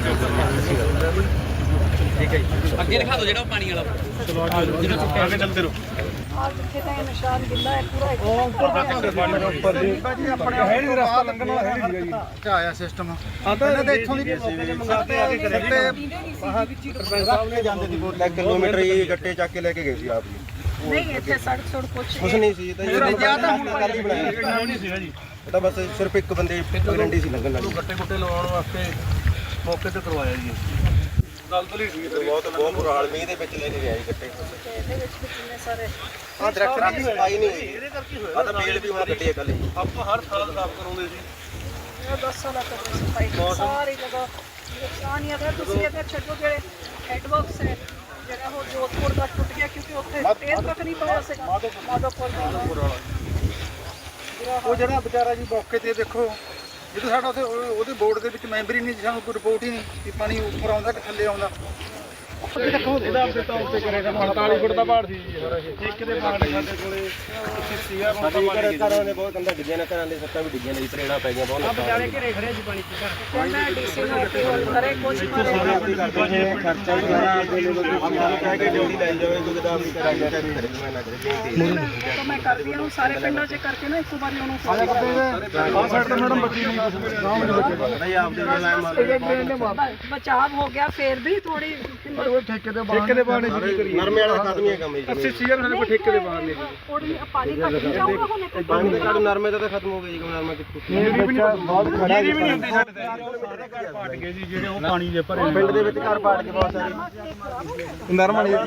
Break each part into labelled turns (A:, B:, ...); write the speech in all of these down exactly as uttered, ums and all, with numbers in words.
A: ਠੀਕ ਹੈ ਜੀ, ਅੱਗੇ ਦਿਖਾ ਦਿਓ ਜਿਹੜਾ ਪਾਣੀ ਵਾਲਾ ਜਿਹੜਾ ਚੁੱਕਿਆ ਅੱਗੇ ਚੱਲਦੇ ਰਹੋ।
B: ਆ ਜਿੱਥੇ ਤਾਂ ਇਹ ਨਿਸ਼ਾਨ ਗਿੱਲਾ ਹੈ ਪੂਰਾ ਉੱਪਰ ਜੀ ਆਪਣੇ ਹੈ ਨਹੀਂ ਰਸਤਾ ਲੰਘਣ ਵਾਲਾ ਹੈ ਨਹੀਂ ਸੀਗਾ ਜੀ ਚ ਆਇਆ ਸਿਸਟਮ ਇਹਨਾਂ ਦੇ ਇੱਥੋਂ ਦੀ ਮੌਕੇ ਤੇ ਮੰਗਾਤੇ ਆ ਕੇ ਕਰੇ ਸਰਪੰਚ ਸਾਹਿਬ ਨੇ ਜਾਂਦੇ ਦੀ ਬੋਲ
C: ਕਿਲੋਮੀਟਰ ਇਹ ਗੱਟੇ ਚੱਕ ਕੇ ਲੈ ਕੇ ਗਏ ਸੀ ਆਪ ਜੀ।
B: ਨਹੀਂ ਇੱਥੇ ਸੜਕ ਸੜਕ ਕੁਛ
C: ਕੁਛ ਨਹੀਂ ਸੀ, ਇਹ ਤਾਂ ਹੁਣ ਕੱਲ ਹੀ ਬਣਾਇਆ
A: ਨਹੀਂ ਸੀਗਾ ਜੀ,
C: ਇਹ ਤਾਂ ਬਸ ਸਿਰਫ ਇੱਕ ਬੰਦੇ ਗਰੰਟੀ ਸੀ ਲੰਘਣ ਵਾਲੀ।
A: ਗੱਟੇ ਗੁੱਟੇ ਲਵਾਉਣ ਵਾਸਤੇ ਮੌਕੇ ਤੇ ਕਰਵਾਇਆ ਜੀ। ਗੱਲ ਤਾਂ ਨਹੀਂ ਸੀ,
C: ਬਹੁਤ ਬਹੁਤ ਬੁਰਾ ਹਾਲ ਮੀਂਹ ਦੇ ਵਿੱਚ ਲੈ ਕੇ ਗਿਆ ਜੀ ਗੱਟੇ।
B: ਇਹਦੇ ਵਿੱਚ ਵੀ ਕਿੰਨੇ ਸਾਰੇ
C: ਆਹ ਦਰਖਤ ਦੀ ਸਫਾਈ ਨਹੀਂ ਹੋਈ,
A: ਇਹਦੇ ਕਰਕੇ
C: ਆਹ ਤਾਂ ਬੇਲ ਵੀ ਹੁਣ ਗੱਡੀ ਕੱਲ ਹੀ।
A: ਆਪਾਂ ਹਰ ਸਾਲ ਸਾਫ ਕਰਾਉਂਦੇ ਸੀ।
B: ਇਹ ਦਸ ਸਾਲਾਂ ਤੱਕ ਸਫਾਈ ਸਾਰੀ ਜਗ੍ਹਾ ਨੁਕਸਾਨ ਹੀ ਅਗਰ ਤੁਸੀਂ ਅਗਰ ਛੱਡੋ ਜਿਹੜੇ ਹੈਡਵਰਕਸ ਹੈ ਜਿਹੜਾ ਉਹ ਜੋਧਪੁਰ ਦਾ ਟੁੱਟ ਗਿਆ ਕਿਉਂਕਿ ਉੱਥੇ ਤੇਜ਼ ਤੱਕ ਨਹੀਂ ਪਾਇਆ ਸੀਗਾ ਮਾਧੋਪੁਰ ਵਾਲਾ
D: ਉਹ ਜਿਹੜਾ ਵਿਚਾਰਾ ਜੀ ਮੌਕੇ ਤੇ ਦੇਖੋ ਜਦੋਂ ਸਾਡਾ ਉੱਥੇ ਉਹਦੇ ਬੋਰਡ ਦੇ ਵਿੱਚ ਮੈਂਬਰ ਹੀ ਨਹੀਂ, ਸਾਨੂੰ ਕੋਈ ਰਿਪੋਰਟ ਹੀ ਨਹੀਂ ਕਿ ਪਾਣੀ ਉੱਪਰ ਆਉਂਦਾ ਕਿ ਥੱਲੇ ਆਉਂਦਾ।
A: ਇਹਦਾ ਆਪਣੇ ਤੌਰ ਤੇ ਕਰੇਗਾ ਅੜਤਾਲੀ ਫੁੱਟ ਦਾ ਪਹਾੜ ਸੀ ਜੀ ਸਾਰਾ ਇਹ। ਇੱਕ ਦੇ ਪਹਾੜ ਸਾਡੇ ਕੋਲੇ ਪੱਚੀ ਸੀਗਾ
C: ਸਾਡੇ ਘਰ ਘਰਾਂ ਦੇ ਬਹੁਤ ਕੰਧਾਂ ਡਿੱਗੀਆਂ ਨੇ, ਘਰਾਂ ਦੇ ਸੱਤਾਂ ਵੀ ਡਿੱਗੀਆਂ ਨੇ ਜੀ, ਤਰੇੜਾਂ ਪੈ ਗਈਆਂ ਬਹੁਤ ਨੁਕਸਾਨ।
A: ਘਰੇ ਖੜੇ ਜੀ ਪਾਣੀ ਚ
B: ਕਹਿੰਦਾ ਡੀਸੀ ਨੂੰ ਅਪੀਲ ਕਰੇ ਕੁਝ ਮਾਰੇ
C: ਖਰਚਾ ਹੀ ਸਾਰਾ ਆਪਦੇ ਲੋਕ ਕਹਿ ਕੇ ਡਿਊਟੀ ਲੈ ਜਾਵੇ ਕੋਈ ਤਾਂ ਆਪਣੀ ਕਰਾਂਗੇ ਕਰੇ ਮੈਂ ਨਾ ਕਰੇ ਬੇਨਤੀ
B: ਤਾਂ ਮੈਂ ਕਰਦੀ ਹਾਂ ਸਾਰੇ ਪਿੰਡਾਂ 'ਚ ਕਰਕੇ ਨਾ ਇੱਕ ਵਾਰੀ ਉਹਨੂੰ
D: ਆਹ ਸਾਈਡ ਤੇ ਮੈਡਮ ਬੱਚੀ ਨਹੀਂ ਗਾਂਵ ਦੇ ਬੱਚੇ
C: ਨਹੀਂ ਆਪਦੇ ਨਾਲ
B: ਬਚਾਅ ਹੋ ਗਿਆ ਫੇਰ ਵੀ ਥੋੜੀ
D: ਠੇਕੇ ਦੇ ਬਾਹਰ ਠੇਕੇ ਦੇ ਬਾਹਰ ਨਹੀਂ
C: ਨਰਮੇ ਵਾਲਾ ਖਤਮ ਹੀ ਹੈ ਕੰਮ ਜੀ।
D: ਅੱਸੀ ਸੀਆਰ ਸਾਡੇ ਕੋਲ ਠੇਕੇ ਦੇ ਬਾਹਰ ਨਹੀਂ
B: ਥੋੜੀ ਪਾਣੀ ਘੱਟ ਜਾਊਗਾ ਹੁਣ ਇੱਕ
C: ਪਾਣੀ ਦੇ ਕਾਰਨ ਨਰਮੇ ਦਾ ਤਾਂ ਖਤਮ ਹੋ ਗਿਆ ਜੀ, ਨਰਮਾ ਕਿੱਥੋਂ
D: ਬਹੁਤ ਖੜਾ ਜੀ ਵੀ ਨਹੀਂ ਹੁੰਦੀ ਸਾਡੇ ਤੇ ਪਾਟ ਗਏ ਜੀ ਜਿਹੜੇ ਉਹ ਪਾਣੀ ਦੇ ਭਰੇ
C: ਪਿੰਡ ਦੇ ਵਿੱਚ ਘਰ ਪਾੜ ਕੇ ਬਹੁਤ ਸਾਰੇ
D: ਨਰਮਾ ਨਹੀਂ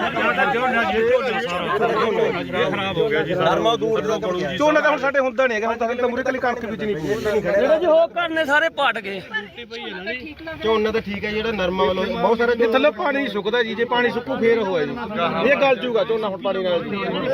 A: ਖਰਾਬ ਹੋ ਗਿਆ ਜੀ।
C: ਨਰਮਾ ਦੂਰ ਦਾ ਕੋਲ
D: ਝੋਨਾ ਤਾਂ ਹੁਣ ਸਾਡੇ ਹੁੰਦਾ ਨਹੀਂ ਹੈਗਾ, ਹੁਣ ਤਾਂ ਮੂਰੇ ਕਲੀ ਕਣਕ ਵਿੱਚ ਨਹੀਂ ਨਹੀਂ ਖੜਿਆ
A: ਜੀ ਉਹ ਘਰ ਨੇ ਸਾਰੇ ਪਾਟ ਗਏ।
B: ਠੀਕ ਲੱਗ
C: ਝੋਨਾ ਤਾਂ ਠੀਕ ਹੈ ਜਿਹੜਾ ਨਰਮਾ ਵੱਲੋਂ ਬਹੁਤ ਸਾਰੇ
D: ਇਹ ਥੱਲੇ ਪਾਣੀ ਸੁੱਕਦਾ ਜੀ, ਜੇ ਪਾਣੀ ਸੁੱਕੂ ਫੇਰ ਹੋਇਆ ਜੀ, ਇਹ ਗਲ ਜੂਗਾ ਝੋਨਾ ਹੁਣ ਪਾਣੀ ਨਾਲ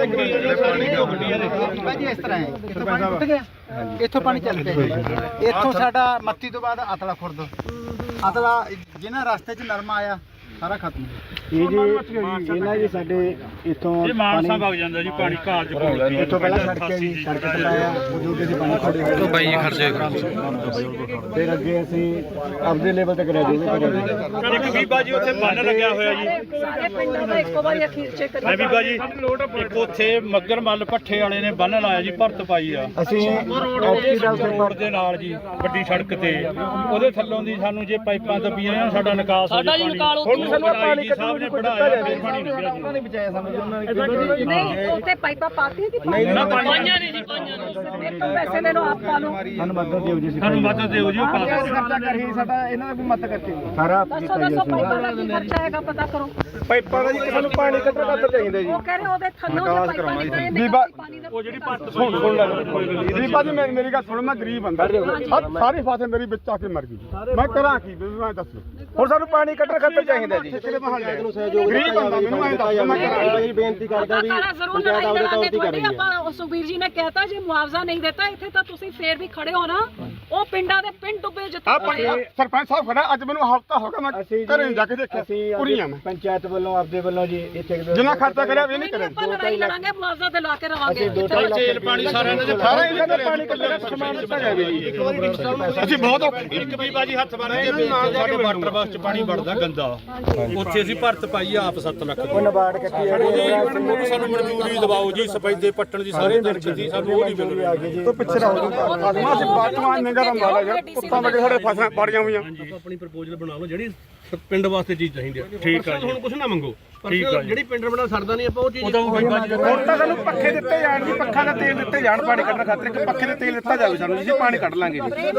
E: ਭਾਜੀ ਇਸ ਤਰ੍ਹਾਂ ਹੈ, ਇੱਥੋਂ ਪਾਣੀ ਟੁੱਟ ਗਿਆ, ਇੱਥੋਂ ਪਾਣੀ ਚੱਲ ਪਿਆ, ਇੱਥੋਂ ਸਾਡਾ ਮੱਤੀ ਤੋਂ ਬਾਅਦ ਅਤਲਾ ਖੁਰਦ, ਅਤਲਾ ਜਿਹਨਾਂ ਰਸਤੇ 'ਚ ਨਰਮਾ ਆਇਆ ਸਾਰਾ ਖਤਮ।
D: ਇਹ ਜੀ ਇਹਨਾਂ ਜੀ ਸਾਡੇ ਇੱਥੋਂ
A: ਇਹ ਮਾਨਸਾ ਵਗ ਜਾਂਦਾ ਜੀ ਪਾਣੀ ਘਾਲ ਚ ਕੋਲ
D: ਇੱਥੋਂ ਪਹਿਲਾਂ ਸੜਕ ਹੈ ਜੀ, ਸੜਕ ਤੇ ਲਾਇਆ ਉਦੋਂ ਦੇ ਪਾਣੀ ਖੜੇ ਹੋਏ
A: ਬਾਈ ਖਰਚੇ
D: ਫਿਰ ਅੱਗੇ ਅਸੀਂ ਆਪਦੇ ਲੈਵਲ ਤੇ ਕਰਿਆ ਜੀ ਕਰਿਆ
A: ਇੱਕ ਬੀਬਾ ਜੀ ਉੱਥੇ ਬੰਨ ਲੱਗਿਆ ਹੋਇਆ ਜੀ।
B: ਸਾਰੇ ਪਿੰਡਾਂ ਦਾ ਇੱਕੋ ਵਾਰੀ ਅਖੀਰ ਚੈੱਕ
A: ਮੈਂ
B: ਕਰੀ
A: ਬੀਬਾ ਜੀ ਇੱਕ ਉੱਥੇ ਮੱਗਰ ਮੱਲ ਭੱਠੇ ਵਾਲੇ ਨੇ ਬੰਨ ਲਾਇਆ ਜੀ, ਭਰਤ ਪਾਈ ਆ
D: ਅਸੀਂ ਐਸਪੀ ਦਾ
A: ਰੋਡ ਦੇ ਨਾਲ ਜੀ, ਵੱਡੀ ਸੜਕ ਤੇ ਉਹਦੇ ਥੱਲੋਂ ਦੀ ਸਾਨੂੰ ਜੇ ਪਾਈਪਾਂ ਦੱਬੀਆਂ ਜਾਣ ਸਾਡਾ ਨਿਕਾਸ ਹੋ ਜਾ ਪਾਣੀ। ਸਾਨੂੰ ਪਾਣੀ ਸਾਹਿਬ ਨੇ ਪੜਾਇਆ ਫਿਰ ਪਾਣੀ ਨਿਕਲਿਆ ਜੀ।
D: ਨਹੀਂ ਬਚਾਇਆ ਸਾਨੂੰ ਉਹਨਾਂ ਨੇ
B: ਨਹੀਂ ਉੱਥੇ ਪਾਈਪਾਂ ਪਾਤੀਆਂ ਕਿ
A: ਨਹੀਂ ਨਾ ਪਾਈਆਂ ਨਹੀਂ ਜੀ, ਪਾਈਆਂ
B: ਮੇਰੇ ਤੋਂ ਪੈਸੇ ਲੈ ਲਓ ਆਪ ਪਾ ਲਓ।
D: ਸਾਨੂੰ ਮਦਦ ਦਿਓ ਜੀ,
A: ਸਾਨੂੰ ਮਦਦ ਦਿਓ ਜੀ। ਉਹ ਪਾਸ
D: ਖਰਚਾ ਕਰੀ ਸਾਡਾ ਇਹਨਾਂ ਦਾ ਕੋਈ ਮਦਦ ਕਰਕੇ ਸਾਰਾ
B: ਦੱਸੋ ਦੱਸੋ ਪਾਈਪਾਂ ਦਾ ਕੀ ਖਰਚਾ ਹੈਗਾ ਪਤਾ ਕਰੋ।
D: ਪਾਈਪਾਂ ਦਾ ਜੀ ਸਾਨੂੰ ਪਾਣੀ ਕੱਢਣ ਖਾਤਰ ਚਾਹੀਦਾ ਜੀ।
B: ਉਹ ਕਹਿ ਰਹੇ ਉਹਦੇ ਥੱਲੋਂ ਜੇ ਪਾਈਪਾਂ ਨਿਕਲੇ ਨੇ
D: ਬੀਬਾ-
B: ਪਾਣੀ ਦਾ
A: ਉਹ ਜਿਹੜੀ ਭਰਤ
D: ਸੁਣ ਸੁਣ ਲੈ ਗਰੀਬਾ ਜੀ ਮੇਰੀ ਮੇਰੀ ਗੱਲ ਸੁਣ, ਮੈਂ ਗਰੀਬ ਬੰਦਾ ਸਾਰੀ ਫਸਲ ਮੇਰੀ ਵਿੱਚ ਆ ਕੇ ਮਰ ਗਈ, ਮੈਂ ਕਰਾਂ ਕੀ ਮੈਂ ਦੱਸ। ਹੁਣ ਸਾਨੂੰ ਪਾਣੀ ਕੱਢਣ ਖਾਤਰ ਚਾਹੀਦਾ ਜੀ,
C: ਗਰੀਬ ਬੰਦਾ ਮੈਨੂੰ ਐਂ ਦੱਸ ਮੈਂ ਕਰਾਂ ਬੇਨਤੀ ਕਰਦਾ ਵੀ
B: ਪੰਚਾਇਤ ਆਪਦੇ ਤੌਰ ਤੇ ਕਰ ਰਹੀ ਹੈ। ਆਪਾਂ ਸੁਖਬੀਰ ਜੀ ਨੇ ਕਹਿਤਾ ਜੇ ਮੁਆਵਜ਼ਾ ਨਹੀਂ ਦਿੱਤਾ ਇੱਥੇ ਤਾਂ ਤੁਸੀਂ ਫੇਰ ਵੀ ਖੜੇ ਹੋ ਨਾ, ਉਹ ਪਿੰਡਾਂ ਦੇ ਪਿੰਡ ਡੁੱਬੇ ਜਿੱਥੇ
D: ਸਰਪੰਚ ਸਾਹਿਬ ਖੜਾ ਅੱਜ ਮੈਨੂੰ ਹਫਤਾ ਹੋ ਗਿਆ, ਮੈਂ ਘਰੇ ਜਾ ਕੇ ਦੇਖਿਆ ਪੂਰੀਆਂ ਮੈਂ
E: ਪੰਚਾਇਤ ਵੱਲੋਂ ਆਪਦੇ ਵੱਲੋਂ ਜੀ ਇੱਥੇ
D: ਜਿੰਨਾ ਖਰਚਾ ਕਰਿਆ ਵੀ ਨਹੀਂ ਕਰਿਆ।
B: ਆਪਾਂ ਲੜਾਈ ਲੜਾਂਗੇ ਮੁਆਵਜ਼ਾ ਦਿਲਾ ਕੇ ਰਵਾਂਗੇ।
A: ਤੇਲ ਪਾਣੀ ਸਾਰਿਆਂ ਦੇ
D: ਸਾਰਾ ਇਹਨਾਂ ਦਾ ਪਾਣੀ ਕੱਢਣ ਦਾ ਸਮਾਨ ਦਿੱਤਾ ਜਾਵੇ ਜੀ। ਅਸੀਂ ਬਹੁਤ ਔਖੇ
A: ਇੱਕ ਬੀਬਾ ਜੀ ਹੱਥ ਬੰਨ ਕੇ ਵੇਚਦੇ ਸਾਡੇ ਵਾਟਰ ਬਾਕਸ ਚ ਪਾਣੀ ਵੜਦਾ ਗੰਦਾ, ਉੱਥੇ ਅਸੀਂ ਭਰਤ ਪਾਈ ਆਪ ਸੱਤ ਲੱਖ ਦੀ।
E: ਨਬਾਰਡ ਕੱਟੀ
A: ਉਹਨੂੰ ਸਾਨੂੰ ਮਨਜ਼ੂਰੀ ਦਿਵਾਓ ਜੀ, ਸਫੈਦੇ ਪੱਟਣ ਦੀ ਸਾਰੇ ਦਰਜ ਦੀ ਸਾਨੂੰ ਉਹ ਨਹੀਂ ਮਿਲ ਰਹੀ।
D: ਤੋਂ ਪਿੱਛੇ ਰਹੋ ਜੀ, ਆਦਮਾ ਅਸੀਂ ਬਾਤਮਾਨ ਨਿਗਰ ਅੰਬਾਲਾ ਯਾਰ ਕੁੱਤਾਂ ਵਗੇ ਸਾਡੇ ਫਸਾਂ ਪੜੀਆਂ ਹੋਈਆਂ।
A: ਆਪਣੀ ਪ੍ਰਪੋਜ਼ਲ ਬਣਾ ਲਓ ਜਿਹੜੀ ਪਿੰਡ ਵਾਸਤੇ ਚੀਜ਼ ਚਾਹੀਦੀ ਹੈ। ਠੀਕ ਆ ਜੀ, ਹੁਣ ਕੁਝ ਨਾ ਮੰਗੋ। ਠੀਕ ਆ ਜਿਹੜੀ ਪਿੰਡ ਬਣਾ ਸਰਦਾ ਨਹੀਂ ਆਪਾਂ ਉਹ ਚੀਜ਼
D: ਹੁਣ ਤਾਂ ਸਾਨੂੰ ਪੱਖੇ ਦਿੱਤੇ ਜਾਣ ਜੀ, ਪੱਖਾ ਦਾ ਤੇਲ ਦਿੱਤੇ ਜਾਣ ਪਾਣੀ ਕੱਢਣ ਖਾਤਰ, ਕਿ ਪੱਖੇ ਦਾ ਤੇਲ ਦਿੱਤਾ ਜਾਵੇ ਸਾਨੂੰ, ਅਸੀਂ ਪਾਣੀ ਕੱਢ ਲਾਂਗੇ ਜੀ।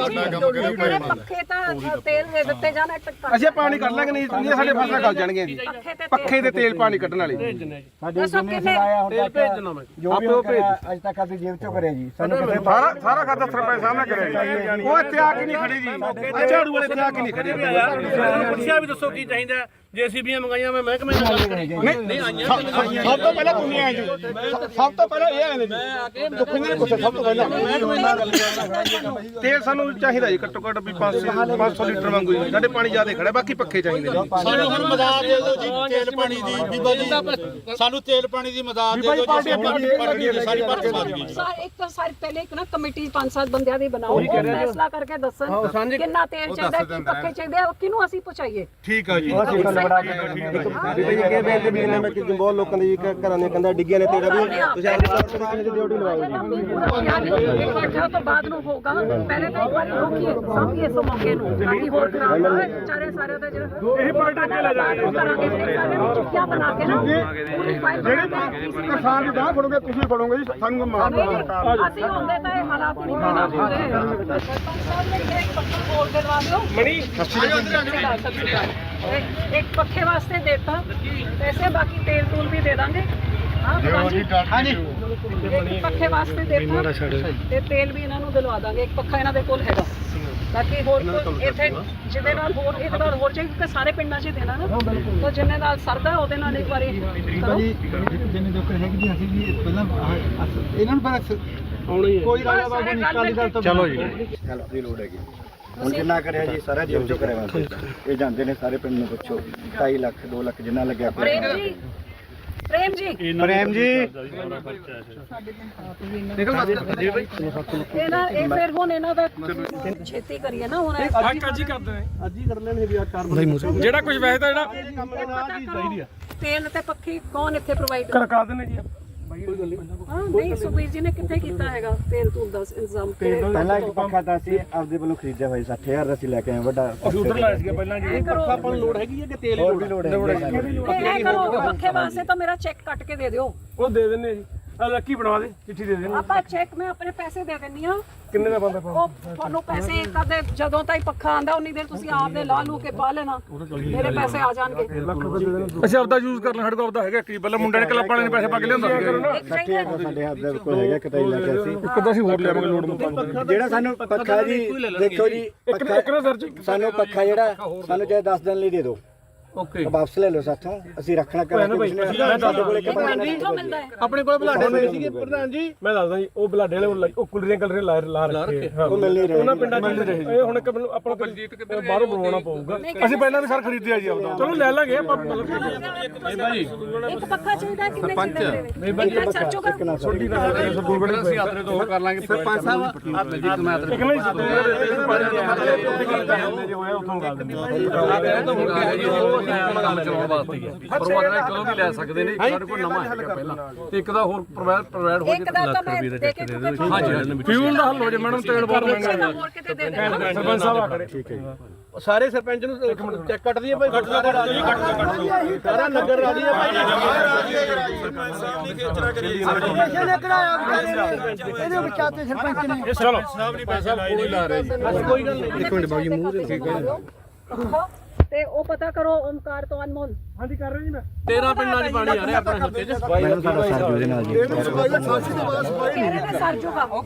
B: ਪੱਖੇ ਤਾਂ ਤੇਲ ਦੇ ਦਿੱਤੇ ਜਾਣ
D: ਅਸੀਂ ਪਾਣੀ ਕੱਢ ਲਾਂਗੇ, ਨਹੀਂ ਨਹੀਂ ਸਾਡੇ ਫਸਲਾਂ ਗਲ ਜਾਣਗੀਆਂ ਜੀ। ਪੱਖੇ ਦੇ ਤੇਲ ਪਾਣੀ ਕੱਢਣ ਵਾਲੇ
E: ਸਾਡੇ ਜਿੰਨੇ ਸਲਾਇਆ ਹੁੰਦਾ ਜੋ ਵੀ ਉਹ ਅੱਜ ਤੱਕ ਆਪਣੀ ਜੇਬ ਚੋਂ ਕਰਿਆ ਜੀ, ਸਾਨੂੰ ਕਿਸੇ
D: ਸਾਰਾ ਸਾਰਾ ਖਾਤਾ ਸਰਪੰਚ ਸਾਹਿਬ ਨੇ ਕਰਿਆ ਜੀ। ਉਹ ਇੱਥੇ ਆ ਕੇ ਨਹੀਂ ਖੜੇ ਜੀ, ਝਾੜੂ ਵਾਲੇ ਇੱਥੇ ਆ ਕੇ ਨਹੀਂ ਖੜੇ।
A: ਪੁੱਛਿਆ ਵੀ ਦੱਸੋ ਕੀ ਚਾਹੀਦਾ।
F: ਜੇਸੀਬੀਆਂ ਮੰਗਾਈਆਂ ਮੈਂ ਮਹਿਕਮੇ ਨਾਲ ਗੱਲ ਕਰੀ ਨਹੀਂ ਆਈਆਂ
D: ਸਭ ਤੋਂ ਪਹਿਲਾਂ ਤੁਸੀਂ ਆਏ ਜੀ ਸਭ ਤੋਂ ਪਹਿਲਾਂ ਇਹ ਆਏ ਨੇ ਜੀ ਦੁੱਖ ਨਹੀਂ ਪੁੱਛਿਆ ਸਭ ਤੋਂ ਪਹਿਲਾਂ
F: ਮਹਿਕਮੇ ਨਾਲ ਗੱਲ ਕਰਨਾ।
C: ਤੇਲ ਸਾਨੂੰ ਚਾਹੀਦਾ ਜੀ ਘੱਟੋ ਘੱਟ ਵੀ ਪੰਜ ਸੌ ਲੀਟਰ ਵਾਂਗੂ ਜੀ। ਸਾਡੇ ਪਾਣੀ ਜ਼ਿਆਦਾ ਖੜਾ ਬਾਕੀ ਪੱਖੇ ਚਾਹੀਦੇ ਨੇ।
A: ਸਾਨੂੰ ਹੁਣ ਮਦਦ ਦੇ ਦਿਓ ਜੀ ਤੇਲ ਪਾਣੀ ਦੀ ਬੀਬਾ ਜੀ ਸਾਨੂੰ ਤੇਲ ਪਾਣੀ ਦੀ ਮਦਦ ਦੇ ਦਿਓ ਜੀ ਅਸੀਂ ਪਾਰਟੀ ਦੀ ਸਾਰੀ ਪਾਰਟੀ ਮਾਰ ਗਈ ਜੀ।
G: ਸਰ ਇੱਕ ਤਾਂ ਸਾਰੇ ਪਹਿਲੇ ਇੱਕ ਨਾ ਕਮੇਟੀ ਪੰਜ ਸੱਤ ਬੰਦਿਆਂ ਦੀ ਬਣਾਓ ਉਹ ਫੈਸਲਾ ਕਰਕੇ ਦੱਸਣ ਕਿੰਨਾ ਤੇਲ ਚਾਹੀਦਾ ਕੀ ਪੱਕੇ ਚਾਹੀਦੇ ਆ ਕਿਹਨੂੰ ਅਸੀਂ ਪਹੁੰਚਾਈਏ।
A: ਠੀਕ ਆ ਜੀ
C: ਬਹੁਤ ਲੋਕਾਂ ਦੇ ਘਰਾਂ ਦੀਆਂ ਕੰਧਾਂ ਡਿੱਗੀਆਂ ਨੇ ਤੇੜਾ ਵੀ ਤੁਸੀਂ ਆਪਣੀ ਸਰਕਾਰ ਦੀ ਡਿਊਟੀ ਲਵਾਓ ਜੀ।
G: ਇਕੱਠਾ ਤੋਂ ਬਾਅਦ ਨੂੰ ਹੋਗਾ ਪਹਿਲੇ ਤਾਂ ਇੱਕ ਵਾਰੀ ਰੋਕੀਏ ਸਾਂਭੀਏ ਇਸ ਮੌਕੇ ਨੂੰ ਤਾਂ ਕਿ ਹੋਰ ਖਰਾਬ ਨਾ ਹੋਏ ਵਿਚਾਰੇ ਸਾਰੇ ਦਾ ਜਿਹੜਾ ਇਹ ਪਾਰਟੀ ਅੱਗੇ ਲੈ ਜਾਵਾਂਗੇ ਕਰਾਂਗੇ ਸਾਰੇ ਚੁੱਕਿਆ ਬਣਾ ਕੇ ਨਾ ਪੂਰੀ ਫਾਈਲ
D: ਜਿਹੜੀ ਕਿਸਾਨ ਦੀ ਬਾਹ ਫੜੋਗੇ ਤੁਸੀਂ ਫੜੋਗੇ ਜੀ ਸਾਨੂੰ ਮਾਰ
G: ਅਸੀਂ ਹੁੰਦੇ ਤਾਂ ਇਹ ਹਾਲਾਤ ਨਹੀਂ ਪੈਦਾ ਹੁੰਦੇ ਸਾਹਿਬ ਨੇ ਇੱਕ ਪੱਖਾ ਬੋਲ ਕੇ ਦਵਾ ਦਿਓ
F: ਮਣੀ
G: ਇੱਕ ਪੱਖੇ ਵਾਸਤੇ ਦੇਤਾ ਪੈਸੇ ਬਾਕੀ ਤੇਲ ਤੂਲ ਵੀ ਦੇ ਦਾਂਗੇ ਹਾਂਜੀ ਇੱਕ ਪੱਖੇ ਵਾਸਤੇ ਦੇਤਾ ਤੇ ਤੇਲ ਵੀ ਇਹਨਾਂ ਨੂੰ ਦਿਲਵਾ ਦਾਂਗੇ ਇੱਕ ਪੱਖਾ ਇਹਨਾਂ ਦੇ ਕੋਲ ਹੈਗਾ ਤਾਂ ਕਿ ਹੋਰ ਕੋਈ ਇੱਥੇ ਜਿਹਦੇ ਨਾਲ ਹੋਰ ਇਹਦੇ ਨਾਲ ਹੋਰ ਚਾਹੀਏ ਕਿ ਸਾਰੇ ਪਿੰਡਾਂ 'ਚ ਹੀ ਦੇਣਾ ਨਾ ਤਾਂ ਜਿੰਨੇ ਨਾਲ ਸਰਦਾ ਉਹਦੇ ਨਾਲ ਇੱਕ ਵਾਰੀ ਕਰੋ
E: ਜਿੰਨੇ ਦੁੱਖ ਹੈਗੇ ਜੀ ਅਸੀਂ ਜੀ ਪਹਿਲਾਂ ਇਹਨਾਂ ਨੂੰ ਪਰ ਕੋਈ ਰਾਜਾ ਬਾਬੂ ਨਿਕਾਲੀ ਦਾ ਤੋਂ
A: ਚਲੋ ਜੀ
C: ਹੈਲਪ ਦੀ ਲੋੜ ਹੈਗੀ ਹੁਣ ਜਿੰਨਾ ਕਰਿਆ ਜੀ ਸਾਰਾ ਜੇਬ ਚੋਂ ਕਰਿਆ ਇਹ ਜਾਂਦੇ ਨੇ ਸਾਰੇ ਪਿੰਡ ਨੂੰ ਪੁੱਛੋ ਢਾਈ ਲੱਖ ਦੋ ਲੱਖ ਜਿੰਨਾ ਲੱਗਿਆ
G: ਪ੍ਰੇਮ ਜੀ ਪ੍ਰੇਮ ਜੀ
C: ਪ੍ਰੇਮ ਜੀ
G: ਇਹ ਨਾ ਇਹ ਫਿਰ ਹੁਣ ਇਹਨਾਂ ਦਾ ਛੇਤੀ ਕਰੀਏ ਨਾ ਹੁਣ
F: ਅੱਜ ਹੀ ਕਰਦੇ ਨੇ ਅੱਜ ਹੀ ਕਰ ਲੈਣਗੇ ਵੀ ਆ ਚਾਰ ਬੰਦੇ ਜਿਹੜਾ ਕੁਝ ਵੈਸੇ ਤਾਂ ਜਿਹੜਾ
G: ਤੇਲ ਤੇ ਪੱਖੀ ਕੌਣ ਇੱਥੇ ਪ੍ਰੋਵਾਈਡ
F: ਕਰਕਾ ਦਿੰਦੇ ਜੀ
G: ਹਾਂ ਨਹੀਂ ਸੁਖਬੀਰ ਜੀ ਨੇ ਕਿੱਥੇ ਕੀਤਾ ਹੈਗਾ ਤੇਲ ਤੂਲ ਦਾ ਇੰਤਜ਼ਾਮ
C: ਪਹਿਲਾਂ ਇੱਕ ਪੱਖਾ ਤਾਂ ਅਸੀਂ ਆਪਦੇ ਵੱਲੋਂ ਖਰੀਦਿਆ ਹੋਇਆ ਸੱਠ ਹਜ਼ਾਰ ਦਾ ਅਸੀਂ ਲੈ ਕੇ ਆਏ ਵੱਡਾ
F: ਅਸੀਂ ਉਧਰ ਲਾਇਆ ਸੀਗਾ ਪਹਿਲਾਂ ਜੀ ਪੱਖਾ ਆਪਾਂ ਨੂੰ ਲੋੜ ਹੈਗੀ ਹੈ ਕਿ ਤੇਲ
C: ਹੋਰ ਵੀ ਲੋੜ ਹੈ
G: ਇਹ ਕਰੋ ਪੱਖੇ ਵਾਸਤੇ ਤਾਂ ਮੇਰਾ ਚੈੱਕ ਕੱਟ ਕੇ ਦੇ ਦਿਓ
F: ਉਹ ਦੇ ਦਿੰਦੇ ਜੀ ਆ ਲੱਕੀ ਬਣਵਾ ਦੇ ਚਿੱਠੀ ਦੇ ਦੇਣੀ
G: ਆਪਾਂ ਚੈੱਕ ਮੈਂ ਆਪਣੇ ਪੈਸੇ ਦੇ ਦਿੰਨੀ ਆ
F: ਕਿੰਨੇ ਦਾ ਬੰਦਾ
G: ਉਹ ਤੁਹਾਨੂੰ ਪੈਸੇ ਕਦੇ ਜਦੋਂ ਤਾਈ ਪੱਖਾ ਆਂਦਾ ਉਨੀ ਦੇਰ ਤੁਸੀਂ ਆਪਦੇ ਲਾ ਲੂ ਕੇ ਪਾ ਲੈਣਾ ਮੇਰੇ ਪੈਸੇ ਆ ਜਾਣਗੇ
F: ਅੱਛਾ ਆਪਦਾ ਯੂਜ਼ ਕਰ ਲੈ ਸਾਡੇ ਕੋਲ ਆਪਦਾ ਹੈਗਾ ਕੀ ਪਹਿਲਾਂ ਮੁੰਡੇ ਨੇ ਕਲੱਬ ਵਾਲੇ ਨੇ ਪੈਸੇ ਪਾ ਕੇ ਲਿਆਂਦਾ
C: ਸੱਠ ਹਜ਼ਾਰ ਦਾ ਸਾਡੇ ਹੱਥ ਦੇ ਕੋਲ ਹੈਗਾ ਕਿਤੇ ਲੈ ਕੇ ਅਸੀਂ
F: ਇੱਕ ਤਾਂ ਅਸੀਂ ਹੋਰ ਲਿਆਵਾਂਗੇ ਲੋੜ ਮੁਤਾਬਕ
C: ਜਿਹੜਾ ਸਾਨੂੰ ਪੱਖਾ ਜੀ ਦੇਖੋ ਜੀ ਪੱਖਾ ਸਾਨੂੰ ਪੱਖਾ ਜਿਹੜਾ ਸਾਨੂੰ ਚਾਹੇ ਦਸ ਦਿਨ ਲਈ ਦੇ ਦਿਓ
F: ਓਕੇ
C: ਵਾਪਸ ਲੈ ਲਓ ਸਾਥੋਂ ਅਸੀਂ ਰੱਖਣਾ ਕਰਾਂਗੇ ਸਾਡੇ ਕੋਲ ਇੱਕ ਬੰਦਾ ਨਹੀਂ
G: ਮਿਲਦਾ ਹੈ
F: ਆਪਣੇ ਕੋਲ ਬਲਾਡੇ ਮਿਲੇ ਸੀਗੇ ਪ੍ਰਧਾਨ ਜੀ ਮੈਂ ਦੱਸਦਾ ਜੀ ਉਹ ਬਲਾਡੇ ਵਾਲੇ ਉਹ ਕੁਲਰੀਆਂ ਕਲਰੀਆਂ ਲਾ ਲਾ ਰੱਖੇ
C: ਉਹ ਮਿਲ ਨਹੀਂ ਰਹੇ
F: ਉਹਨਾਂ ਪਿੰਡਾਂ 'ਚ ਮਿਲ ਰਹੇ ਇਹ ਹੁਣ ਇੱਕ ਮੈਨੂੰ ਆਪਣਾ ਬਲਜੀਤ ਕਿਤੇ ਬਾਹਰੋਂ ਬਣਵਾਉਣਾ ਪਊਗਾ ਅਸੀਂ ਪਹਿਲਾਂ ਵੀ ਸਰ ਖਰੀਦਿਆ ਜੀ ਆਪਦਾ ਚਲੋ ਲੈ ਲਾਂਗੇ ਆਪਾਂ
G: ਇੱਕ ਪੱਖਾ ਚਾਹੀਦਾ ਕਿੰਨੇ ਚਾਹੀਦੇ ਨੇ ਸਰਚੋਗਾ
F: ਛੋਟੀ ਨਾ ਸਰਦੂਲਗੜ੍ਹ ਅਸੀਂ ਆਦਰੇ ਤੋਂ ਕਰ ਲਾਂਗੇ ਸਰਪੰਚ ਸਾਹਿਬ ਆ ਬਲਜੀਤ ਮੈਂ ਆਦਰੇ ਇੱਕ ਨਹੀਂ ਜੇ ਹੋਇਆ ਉਥੋਂ ਗੱਲ
H: ਗੱਲ ਚਲਾਉਣ ਵਾਸਤੇ ਹੀ ਹੈ ਪਰ ਉਹ ਅਗਲੇ ਕਦੋਂ ਵੀ ਲੈ ਸਕਦੇ ਨੇ ਸਾਡੇ ਕੋਲ ਨਵਾਂ ਹੈਗਾ ਪਹਿਲਾਂ ਤੇ ਇੱਕ ਦਾ ਹੋਰ ਪ੍ਰੋਵਾਈਡ ਪ੍ਰੋਵਾਈਡ ਹੋ
G: ਇੱਕ ਦਾ ਤਾਂ ਮੈਂ ਦੇ ਕੇ ਕਿਉਂਕਿ
H: ਹਾਂਜੀ
F: ਫਿਊਲ ਦਾ ਹੱਲ ਹੋ ਜੇ ਮੈਡਮ ਤੇਲ ਬਹੁਤ ਮਹਿੰਗਾ
G: ਹੋਰ ਕਿਤੇ ਦੇ ਦੇ
F: ਸਰਪੰਚ ਸਾਹਿਬ ਆ ਖੜੇ ਠੀਕ ਹੈ ਜੀ ਸਾਰੇ ਸਰਪੰਚ ਨੂੰ ਇੱਕ ਮਿੰਟ ਚੈੱਕ ਕੱਟ ਦਈਏ ਭਾਈ ਕੱਟ ਦਾ ਰਾਜੀ ਕੱਟ ਸਾਰਾ ਨਗਰ ਰਾਜੀ ਹੈ ਭਾਈ
B: ਸਰਪੰਚ ਸਾਹਿਬ ਦੀ ਖੇਚਰਾ ਕਰੀ
E: ਇਹਦੇ ਵਿਚਾਤੇ ਸਰਪੰਚ ਨੇ
F: ਚਲੋ
B: ਸਾਹਿਬ ਨਹੀਂ ਪੈਸੇ ਲਾਏ ਨਹੀਂ
F: ਕੋਈ ਗੱਲ ਨਹੀਂ ਇੱਕ ਮਿੰਟ ਬਾਬੂ ਜੀ ਮੂੰਹ ਦੇ
G: ਤੇ ਉਹ ਪਤਾ ਕਰੋ ਓਮਕਾਰ ਤੋਂ ਅਨਮੋਲ
F: ਹਾਂਜੀ ਕਰ ਰਹੇ ਜੀ ਮੈਂ ਤੇਰਾਂ ਪਿੰਡਾਂ 'ਚ ਪਾਣੀ ਆ ਰਿਹਾ ਆਪਣੇ ਹਲਕੇ 'ਚ
C: ਮੈਨੂੰ ਸਾਡਾ ਸਾਥ ਦੇ ਨਾਲ ਜੀ
G: ਤੇਰੇ ਤੇ ਸਰ ਜੂਗਾ ਉਹ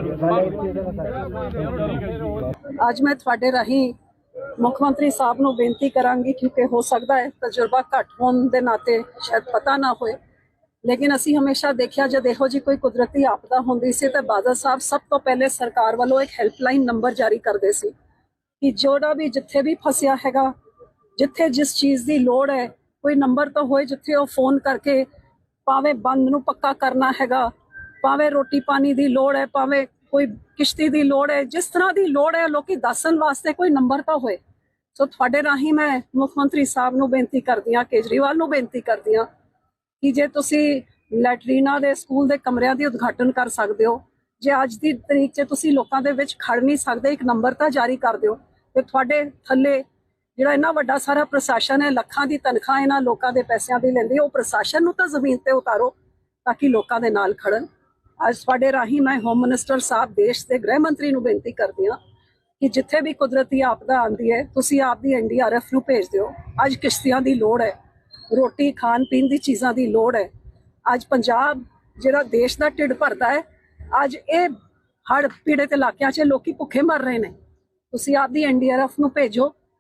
G: ਅੱਜ ਮੈਂ ਤੁਹਾਡੇ ਰਾਹੀਂ ਮੁੱਖ ਮੰਤਰੀ ਸਾਹਿਬ ਨੂੰ ਬੇਨਤੀ ਕਰਾਂਗੀ ਕਿਉਂਕਿ ਹੋ ਸਕਦਾ ਹੈ ਤਜਰਬਾ ਘੱਟ ਹੋਣ ਦੇ ਨਾਤੇ ਸ਼ਾਇਦ ਪਤਾ ਨਾ ਹੋਏ ਲੇਕਿਨ ਅਸੀਂ ਹਮੇਸ਼ਾ ਦੇਖਿਆ ਜਦ ਇਹੋ ਜੀ ਕੋਈ ਕੁਦਰਤੀ ਆਪਦਾ ਹੁੰਦੀ ਸੀ ਤਾਂ ਬਾਦਲ ਸਾਹਿਬ ਸਭ ਤੋਂ ਪਹਿਲੇ ਸਰਕਾਰ ਵੱਲੋਂ ਇੱਕ ਹੈਲਪਲਾਈਨ ਨੰਬਰ ਜਾਰੀ ਕਰਦੇ ਸੀ ਕਿ ਜਿਹੜਾ ਵੀ ਜਿੱਥੇ ਵੀ ਫਸਿਆ ਹੈਗਾ ਜਿੱਥੇ ਜਿਸ ਚੀਜ਼ ਦੀ ਲੋੜ ਹੈ ਕੋਈ ਨੰਬਰ ਤਾਂ ਹੋਏ ਜਿੱਥੇ ਉਹ ਫੋਨ ਕਰਕੇ ਭਾਵੇਂ ਬੰਦ ਨੂੰ ਪੱਕਾ ਕਰਨਾ ਹੈਗਾ ਭਾਵੇਂ ਰੋਟੀ ਪਾਣੀ ਦੀ ਲੋੜ ਹੈ ਭਾਵੇਂ ਕੋਈ ਕਿਸ਼ਤੀ ਦੀ ਲੋੜ ਹੈ ਜਿਸ ਤਰ੍ਹਾਂ ਦੀ ਲੋੜ ਹੈ ਲੋਕੀ ਦੱਸਣ ਵਾਸਤੇ ਕੋਈ ਨੰਬਰ ਤਾਂ ਹੋਏ ਸੋ ਤੁਹਾਡੇ ਰਾਹੀਂ ਮੈਂ ਮੁੱਖ ਮੰਤਰੀ ਸਾਹਿਬ ਨੂੰ ਬੇਨਤੀ ਕਰਦੀ ਹਾਂ ਕੇਜਰੀਵਾਲ ਨੂੰ ਬੇਨਤੀ ਕਰਦੀ ਹਾਂ ਕਿ ਜੇ ਤੁਸੀਂ ਲੈਟਰੀਨਾ ਦੇ ਸਕੂਲ ਦੇ ਕਮਰਿਆਂ ਦੀ ਉਦਘਾਟਨ ਕਰ ਸਕਦੇ ਹੋ ਜੇ ਅੱਜ ਦੀ ਤਰੀਕ 'ਚ ਤੁਸੀਂ ਲੋਕਾਂ ਦੇ ਵਿੱਚ ਖੜ ਨਹੀਂ ਸਕਦੇ ਇੱਕ ਨੰਬਰ ਤਾਂ ਜਾਰੀ ਕਰ ਦਿਓ ਤੇ ਤੁਹਾਡੇ ਥੱਲੇ ਜਿਹੜਾ ਇੰਨਾ ਵੱਡਾ ਸਾਰਾ ਪ੍ਰਸ਼ਾਸਨ ਹੈ ਲੱਖਾਂ ਦੀ ਤਨਖਾਹ ਇਹਨਾਂ ਲੋਕਾਂ ਦੇ ਪੈਸਿਆਂ ਦੀ ਲੈਂਦੀ ਉਹ ਪ੍ਰਸ਼ਾਸਨ ਨੂੰ ਤਾਂ ਜ਼ਮੀਨ ਤੇ ਉਤਾਰੋ ਤਾਂ ਕਿ ਲੋਕਾਂ ਦੇ ਨਾਲ ਖੜਨ ਅੱਜ ਤੁਹਾਡੇ ਰਾਹੀਂ ਮੈਂ ਹੋਮ ਮਿਨਿਸਟਰ ਸਾਹਿਬ ਦੇਸ਼ ਦੇ ਗ੍ਰਹਿ ਮੰਤਰੀ ਨੂੰ ਬੇਨਤੀ ਕਰਦੀ ਹਾਂ ਕਿ ਜਿੱਥੇ ਵੀ ਕੁਦਰਤੀ ਆਪਦਾ ਆਉਂਦੀ ਹੈ ਤੁਸੀਂ ਆਪਦੀ ਐਨ ਡੀ ਆਰ ਐਫ ਨੂੰ ਭੇਜ ਦਿਓ ਅੱਜ ਕਿਸ਼ਤੀਆਂ ਦੀ ਲੋੜ ਹੈ ਰੋਟੀ ਖਾਣ ਪੀਣ ਦੀ ਚੀਜ਼ਾਂ ਦੀ ਲੋੜ ਹੈ ਅੱਜ ਪੰਜਾਬ ਜਿਹੜਾ ਦੇਸ਼ ਦਾ ਢਿੱਡ ਭਰਦਾ ਹੈ ਅੱਜ ਇਹ ਹੜ੍ਹ ਪੀੜਤ ਇਲਾਕਿਆਂ 'ਚ ਲੋਕੀ ਭੁੱਖੇ ਮਰ ਰਹੇ ਨੇ ਤੁਸੀਂ ਆਪਦੀ ਐਨ ਡੀ ਆਰ ਐਫ ਨੂੰ ਭੇਜੋ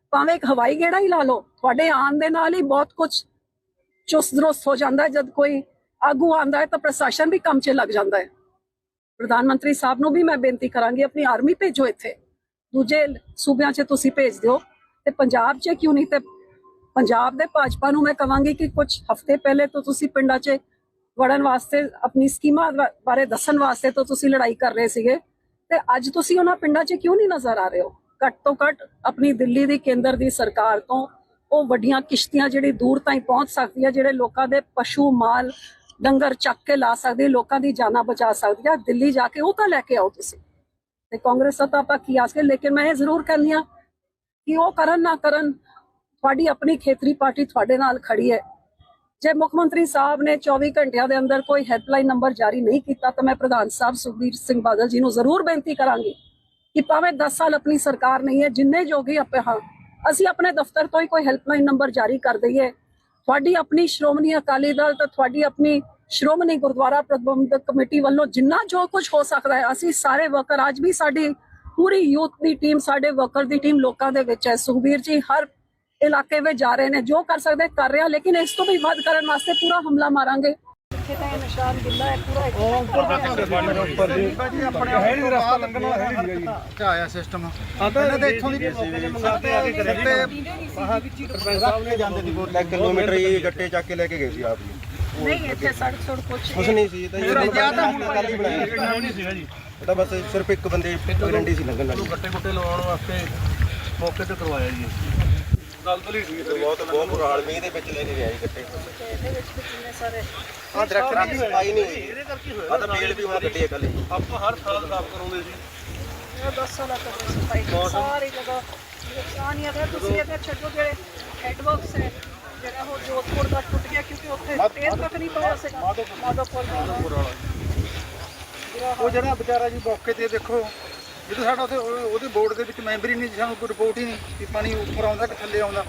G: ਭਾਵੇਂ ਇੱਕ ਹਵਾਈ ਗੇੜਾ ਹੀ ਲਾ ਲਓ, ਤੁਹਾਡੇ ਆਉਣ ਦੇ ਨਾਲ ਹੀ ਬਹੁਤ ਕੁਝ ਚੁਸਤ ਦਰੁਸਤ ਹੋ ਜਾਂਦਾ ਹੈ। ਜਦ ਕੋਈ ਆਗੂ ਆਉਂਦਾ ਹੈ ਤਾਂ ਪ੍ਰਸ਼ਾਸਨ ਵੀ ਕੰਮ 'ਚ ਲੱਗ ਜਾਂਦਾ ਹੈ। ਪ੍ਰਧਾਨ ਮੰਤਰੀ ਸਾਹਿਬ ਨੂੰ ਵੀ ਮੈਂ ਬੇਨਤੀ ਕਰਾਂਗੀ, ਆਪਣੀ ਆਰਮੀ ਭੇਜੋ ਇੱਥੇ, ਦੂਜੇ ਸੂਬਿਆਂ 'ਚ ਤੁਸੀਂ ਭੇਜ ਦਿਓ ਤੇ ਪੰਜਾਬ 'ਚ ਕਿਉਂ ਨਹੀਂ। ਤੇ ਪੰਜਾਬ ਦੇ ਭਾਜਪਾ ਨੂੰ ਮੈਂ ਕਹਾਂਗੀ ਕਿ ਕੁਝ ਹਫ਼ਤੇ ਪਹਿਲੇ ਤੋਂ ਤੁਸੀਂ ਪਿੰਡਾਂ 'ਚ ਵੜਨ ਵਾਸਤੇ, ਆਪਣੀ ਸਕੀਮਾਂ ਬਾਰੇ ਦੱਸਣ ਵਾਸਤੇ ਤੋਂ ਤੁਸੀਂ ਲੜਾਈ ਕਰ ਰਹੇ ਸੀਗੇ, ਤੇ ਅੱਜ ਤੁਸੀਂ ਉਹਨਾਂ ਪਿੰਡਾਂ 'ਚ ਕਿਉਂ ਨਹੀਂ ਨਜ਼ਰ ਆ ਰਹੇ ਹੋ। ਘੱਟ ਤੋਂ ਘੱਟ ਆਪਣੀ ਦਿੱਲੀ ਦੀ ਕੇਂਦਰ ਦੀ ਸਰਕਾਰ ਤੋਂ ਉਹ ਵੱਡੀਆਂ ਕਿਸ਼ਤੀਆਂ ਜਿਹੜੀ ਦੂਰ ਤਾਈਂ ਪਹੁੰਚ ਸਕਦੀ ਹੈ, ਜਿਹੜੇ ਲੋਕਾਂ ਦੇ ਪਸ਼ੂ ਮਾਲ ਡੰਗਰ ਚੱਕ ਕੇ ਲਾ ਸਕਦੀ, ਲੋਕਾਂ ਦੀ ਜਾਨਾਂ ਬਚਾ ਸਕਦੀ ਹੈ, ਦਿੱਲੀ ਜਾ ਕੇ ਉਹ ਤਾਂ ਲੈ ਕੇ ਆਓ ਤੁਸੀਂ। ਤੇ ਕਾਂਗਰਸ ਤਾਂ ਆਪਾਂ ਕੀ ਆਸ ਕੇ, ਲੇਕਿਨ ਮੈਂ ਇਹ ਜ਼ਰੂਰ ਕਹਿੰਦੀ ਹਾਂ ਕਿ ਉਹ ਕਰਨ ਨਾ ਕਰਨ, ਤੁਹਾਡੀ ਆਪਣੀ ਖੇਤਰੀ ਪਾਰਟੀ ਤੁਹਾਡੇ ਨਾਲ ਖੜੀ ਹੈ। ਜੇ ਮੁੱਖ ਮੰਤਰੀ ਸਾਹਿਬ ਨੇ ਚੌਵੀ ਘੰਟਿਆਂ ਦੇ ਅੰਦਰ ਕੋਈ ਹੈਲਪਲਾਈਨ ਨੰਬਰ ਜਾਰੀ ਨਹੀਂ ਕੀਤਾ ਤਾਂ ਮੈਂ ਪ੍ਰਧਾਨ ਸਾਹਿਬ ਸੁਖਬੀਰ ਸਿੰਘ ਬਾਦਲ ਜੀ ਨੂੰ ਜ਼ਰੂਰ ਬੇਨਤੀ ਕਰਾਂਗੀ ਕਿ ਭਾਵੇਂ ਦਸ ਸਾਲ ਆਪਣੀ ਸਰਕਾਰ ਨਹੀਂ ਹੈ, ਜਿੰਨੇ ਜੋਗੀ ਆਪੇ ਹਾਂ ਅਸੀਂ ਆਪਣੇ ਦਫ਼ਤਰ ਤੋਂ ਹੀ ਕੋਈ ਹੈਲਪਲਾਈਨ ਨੰਬਰ ਜਾਰੀ ਕਰ ਦਈਏ। ਤੁਹਾਡੀ ਆਪਣੀ ਸ਼੍ਰੋਮਣੀ ਅਕਾਲੀ ਦਲ ਤੇ ਤੁਹਾਡੀ ਆਪਣੀ ਸ਼੍ਰੋਮਣੀ ਗੁਰਦੁਆਰਾ ਪ੍ਰਬੰਧਕ ਕਮੇਟੀ ਵੱਲੋਂ ਜਿੰਨਾ ਜੋ ਕੁਝ ਹੋ ਸਕਦਾ ਹੈ, ਅਸੀਂ ਸਾਰੇ ਵਰਕਰ, ਅੱਜ ਵੀ ਸਾਡੀ ਪੂਰੀ ਯੂਥ ਦੀ ਟੀਮ, ਸਾਡੇ ਵਰਕਰ ਦੀ ਟੀਮ ਲੋਕਾਂ ਦੇ ਵਿੱਚ ਹੈ। ਸੁਖਬੀਰ ਜੀ ਹਰ ਇਲਾਕੇ ਵਿੱਚ ਜਾ ਰਹੇ ਨੇ, ਜੋ ਕਰ ਸਕਦੇ ਕਰ ਰਹੇ ਆ, ਲੇਕਿਨ ਇਸ ਤੋਂ ਵੀ ਵੱਧ ਕਰਨ ਵਾਸਤੇ ਪੂਰਾ ਹਮਲਾ ਮਾਰਾਂਗੇ। ਨਿਸ਼ਾਨ ਗਿੱਲਾ ਹੈ ਪੂਰਾ
B: ਉੱਪਰ ਜੀ ਆਪਣੇ ਹੈ ਨਹੀਂ ਰਸਤਾ ਲੰਘਣ ਵਾਲਾ ਹੈ ਨਹੀਂ ਜੀ ਆਇਆ ਸਿਸਟਮ। ਇਹਨਾਂ ਦੇ ਇੱਥੋਂ ਦੀ ਮੰਗਾਤੇ ਆ ਕਿ ਸਰਪੰਚ ਸਾਹਿਬ ਨੇ ਜਾਂਦੇ ਦੀ ਵੋਟ
C: ਕਿਲੋਮੀਟਰ ਹੀ ਗੱਟੇ ਚੱਕ ਕੇ ਲੈ ਕੇ ਗਏ ਸੀ ਆਪ ਜੀ।
G: ਨਹੀਂ ਇੱਥੇ ਸੜਕ ਸੁੜ ਕੁਛ
C: ਕੁਛ ਨਹੀਂ ਸੀ, ਤਾਂ ਕੱਲ ਹੀ ਬਣਾਇਆ
A: ਨਹੀਂ ਸੀਗਾ ਜੀ।
C: ਇਹ ਤਾਂ ਬਸ ਸਿਰਫ ਇੱਕ ਬੰਦੇ ਗਰੰਟੀ ਸੀ ਲੱਗਣ ਵਾਲੀ।
F: ਗੱਟੇ ਗੁੱਟੇ ਲਵਾਉਣ ਵਾਸਤੇ ਮੌਕੇ ਤੇ ਕਰਵਾਇਆ ਜੀ। ਗੱਲ ਤਾਂ ਠੀਕ ਹੈ,
C: ਬਹੁਤ ਬਹੁਤ ਬੁਰਾਲ ਮੀਂਹ ਦੇ ਵਿੱਚ ਲੈ ਕੇ ਗਿਆ ਜੀ ਗੱਟੇ।
G: ਇਹਦੇ ਵਿੱਚ ਵੀ ਕਿੰਨੇ ਸਾਰੇ
C: ਆਹ ਦਰਖਤ ਦੀ ਸਫਾਈ ਨਹੀਂ ਹੋਈ,
F: ਇਹਦੇ ਕਰਕੇ ਹੋਇਆ।
C: ਆਹ ਤਾਂ ਬੇਲ ਵੀ ਹੁਣ ਗੱਡੀ ਹੈ ਕੱਲ।
F: ਆਪਾਂ ਹਰ ਸਾਲ ਸਾਫ਼ ਕਰਾਉਂਦੇ ਸੀ।
G: ਇਹ ਦਸ ਸਾਲਾਂ ਤੋਂ ਸਫਾਈ ਸਾਰੀ ਜਗ੍ਹਾ ਨੁਕਸਾਨ ਹੀ ਹੈ। ਤੁਸੀਂ ਇਹਦੇ ਛੱਡੋ ਜਿਹੜੇ ਹੈਡਵਰਕਸ ਹੈ, ਜਿਹੜਾ ਉਹ ਜੋਧਪੁਰ ਦਾ ਟੁੱਟ ਗਿਆ ਕਿਉਂਕਿ ਉੱਥੇ ਤੇਲ ਤੱਕ ਨਹੀਂ ਪਾਇਆ ਸੀਗਾ ਮਾਧੋਪੁਰ ਵਾਲਾ।
B: ਉਹ ਜਿਹੜਾ ਵਿਚਾਰਾ ਜੀ ਮੌਕੇ ਤੇ ਦੇਖੋ, ਜਦੋਂ ਸਾਡਾ ਉੱਥੇ ਉਹਦੇ ਬੋਰਡ ਦੇ ਵਿੱਚ ਮੈਂਬਰ ਹੀ ਨਹੀਂ, ਸਾਨੂੰ ਕੋਈ ਰਿਪੋਰਟ ਹੀ ਨਹੀਂ ਕਿ ਪਾਣੀ ਉੱਪਰ ਆਉਂਦਾ ਕਿ ਥੱਲੇ ਆਉਂਦਾ।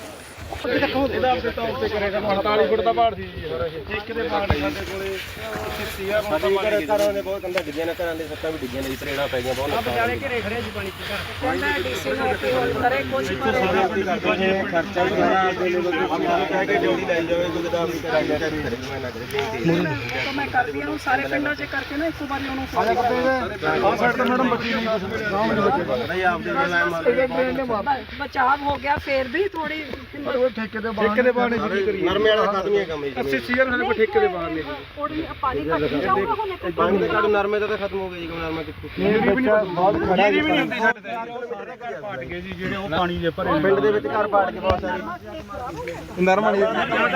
D: ਇਹਦਾ ਆਪਣੇ ਤੌਰ ਤੇ ਕਰੇਗਾ ਅੜਤਾਲੀ ਫੁੱਟ ਦਾ ਪਹਾੜ ਸੀ ਜੀ। ਇੱਕ ਦੇ ਪਹਾੜ ਸਾਡੇ ਕੋਲੇ ਸੀਆਰ ਨੂੰ ਤਾਂ ਮਾਰੇ ਗਏ।
C: ਘਰਾਂ ਦੇ ਬਹੁਤ ਕੰਧਾਂ ਡਿੱਗੀਆਂ ਨੇ, ਘਰਾਂ ਦੇ ਸੱਤਾਂ ਵੀ ਡਿੱਗੀਆਂ ਨੇ ਜੀ, ਤਰੇੜਾਂ ਪੈ ਗਈਆਂ ਬਹੁਤ।
G: ਵਿਚਾਲੇ ਘਰੇ ਖੜੇ ਜੀ ਪਾਣੀ ਚ ਕਹਿੰਦਾ ਡੀਸੀ ਨੂੰ ਕਿ ਉਹ ਕਰੇ ਕੁਝ ਕਰੇ।
C: ਖਰਚਾ ਵੀ ਸਾਰਾ ਆਪਦੇ ਲੋਕ ਕਹਿ ਕੇ ਡਿਊਟੀ ਲਾਈ ਜਾਵੇ, ਕੋਈ ਤਾਂ ਆਪਣੀ ਕਰਾਈ ਜਾ ਕਰੀ ਮੈਂ ਨਾ ਕਰੇ।
G: ਤਾਂ ਮੈਂ ਕਰਦੀ ਹਾਂ ਸਾਰੇ ਪਿੰਡਾਂ 'ਚ ਕਰਕੇ ਨਾ ਇੱਕ ਵਾਰੀ ਉਹਨੂੰ
B: ਆਹ ਸਾਈਡ ਤੇ ਮੈਡਮ ਬੱਚੀ ਨਹੀਂ ਗਾਂਵ ਨਹੀਂ ਬੱਚੇ
C: ਨਹੀਂ ਆਪਦੇ ਨਾਲ ਮਾਰ
G: ਬਚਾਅ ਹੋ ਗਿਆ, ਫੇਰ ਵੀ ਥੋੜੀ
B: ਠੇਕੇ ਦੇ ਠੇਕੇ ਦੇ ਬਾਹਰ
C: ਨਰਮੇ ਵਾਲਾ ਖਤਮ ਹੀ ਕੰਮ ਹੈ ਜੀ।
B: ਅੱਸੀ ਸੀਆਰ ਸਾਡੇ ਠੇਕੇ ਦੇ ਬਾਹਰ ਨੇ
G: ਥੋੜੀ ਪਾਣੀ ਘੱਟ ਜਾਊਗਾ ਹੁਣ।
C: ਪਾਣੀ ਦੇ ਕਾਰਨ ਨਰਮੇ ਦਾ ਤਾਂ ਖਤਮ ਹੋ ਗਿਆ ਜੀ। ਨਰਮਾ ਕਿੱਥੇ
B: ਬਹੁਤ ਖੜਾ
A: ਵੀ ਨਹੀਂ ਹੁੰਦੀ ਸਾਡੇ ਤੇ ਪਾਟ ਗਏ ਜੀ, ਜਿਹੜੇ ਉਹ ਪਾਣੀ ਦੇ ਭਰੇ
C: ਪਿੰਡ ਦੇ ਵਿੱਚ ਘਰ ਪਾੜ ਕੇ ਬਹੁਤ ਸਾਰੇ
B: ਨਰਮਾ ਨਹੀਂ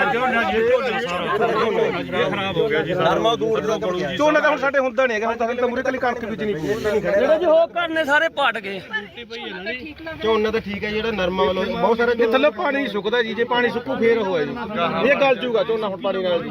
A: ਖਰਾਬ ਹੋ ਗਿਆ ਜੀ।
C: ਨਰਮਾ ਦੂਰ ਦਾ
B: ਝੋਨਾ ਤਾਂ ਹੁਣ ਸਾਡੇ ਹੁੰਦਾ ਨਹੀਂ ਹੈਗਾ, ਹੁਣ ਤਾਂ ਮੂਰੇ ਕਲੀ ਕਣਕ ਬੀਜਣੀ ਪਈ।
H: ਜਿਹੜੇ ਜੀ ਹੋ ਘਰ ਨੇ ਸਾਰੇ ਪਟ ਗਏ।
C: ਝੋਨਾ ਤਾਂ ਠੀਕ ਹੈ, ਜਿਹੜਾ ਨਰਮਾ ਵੱਲੋਂ ਬਹੁਤ ਸਾਰੇ
B: ਇਹ ਥੱਲੇ ਪਾਣੀ ਸੁੱਕਦਾ ਜੀ, ਜੇ ਪਾਣੀ ਸੁੱਕੂ ਫੇਰ ਹੋਇਆ ਜੀ, ਇਹ ਗਲ ਜੂਗਾ ਝੋਨਾ ਹੁਣ ਪਾਣੀ ਨਾਲ।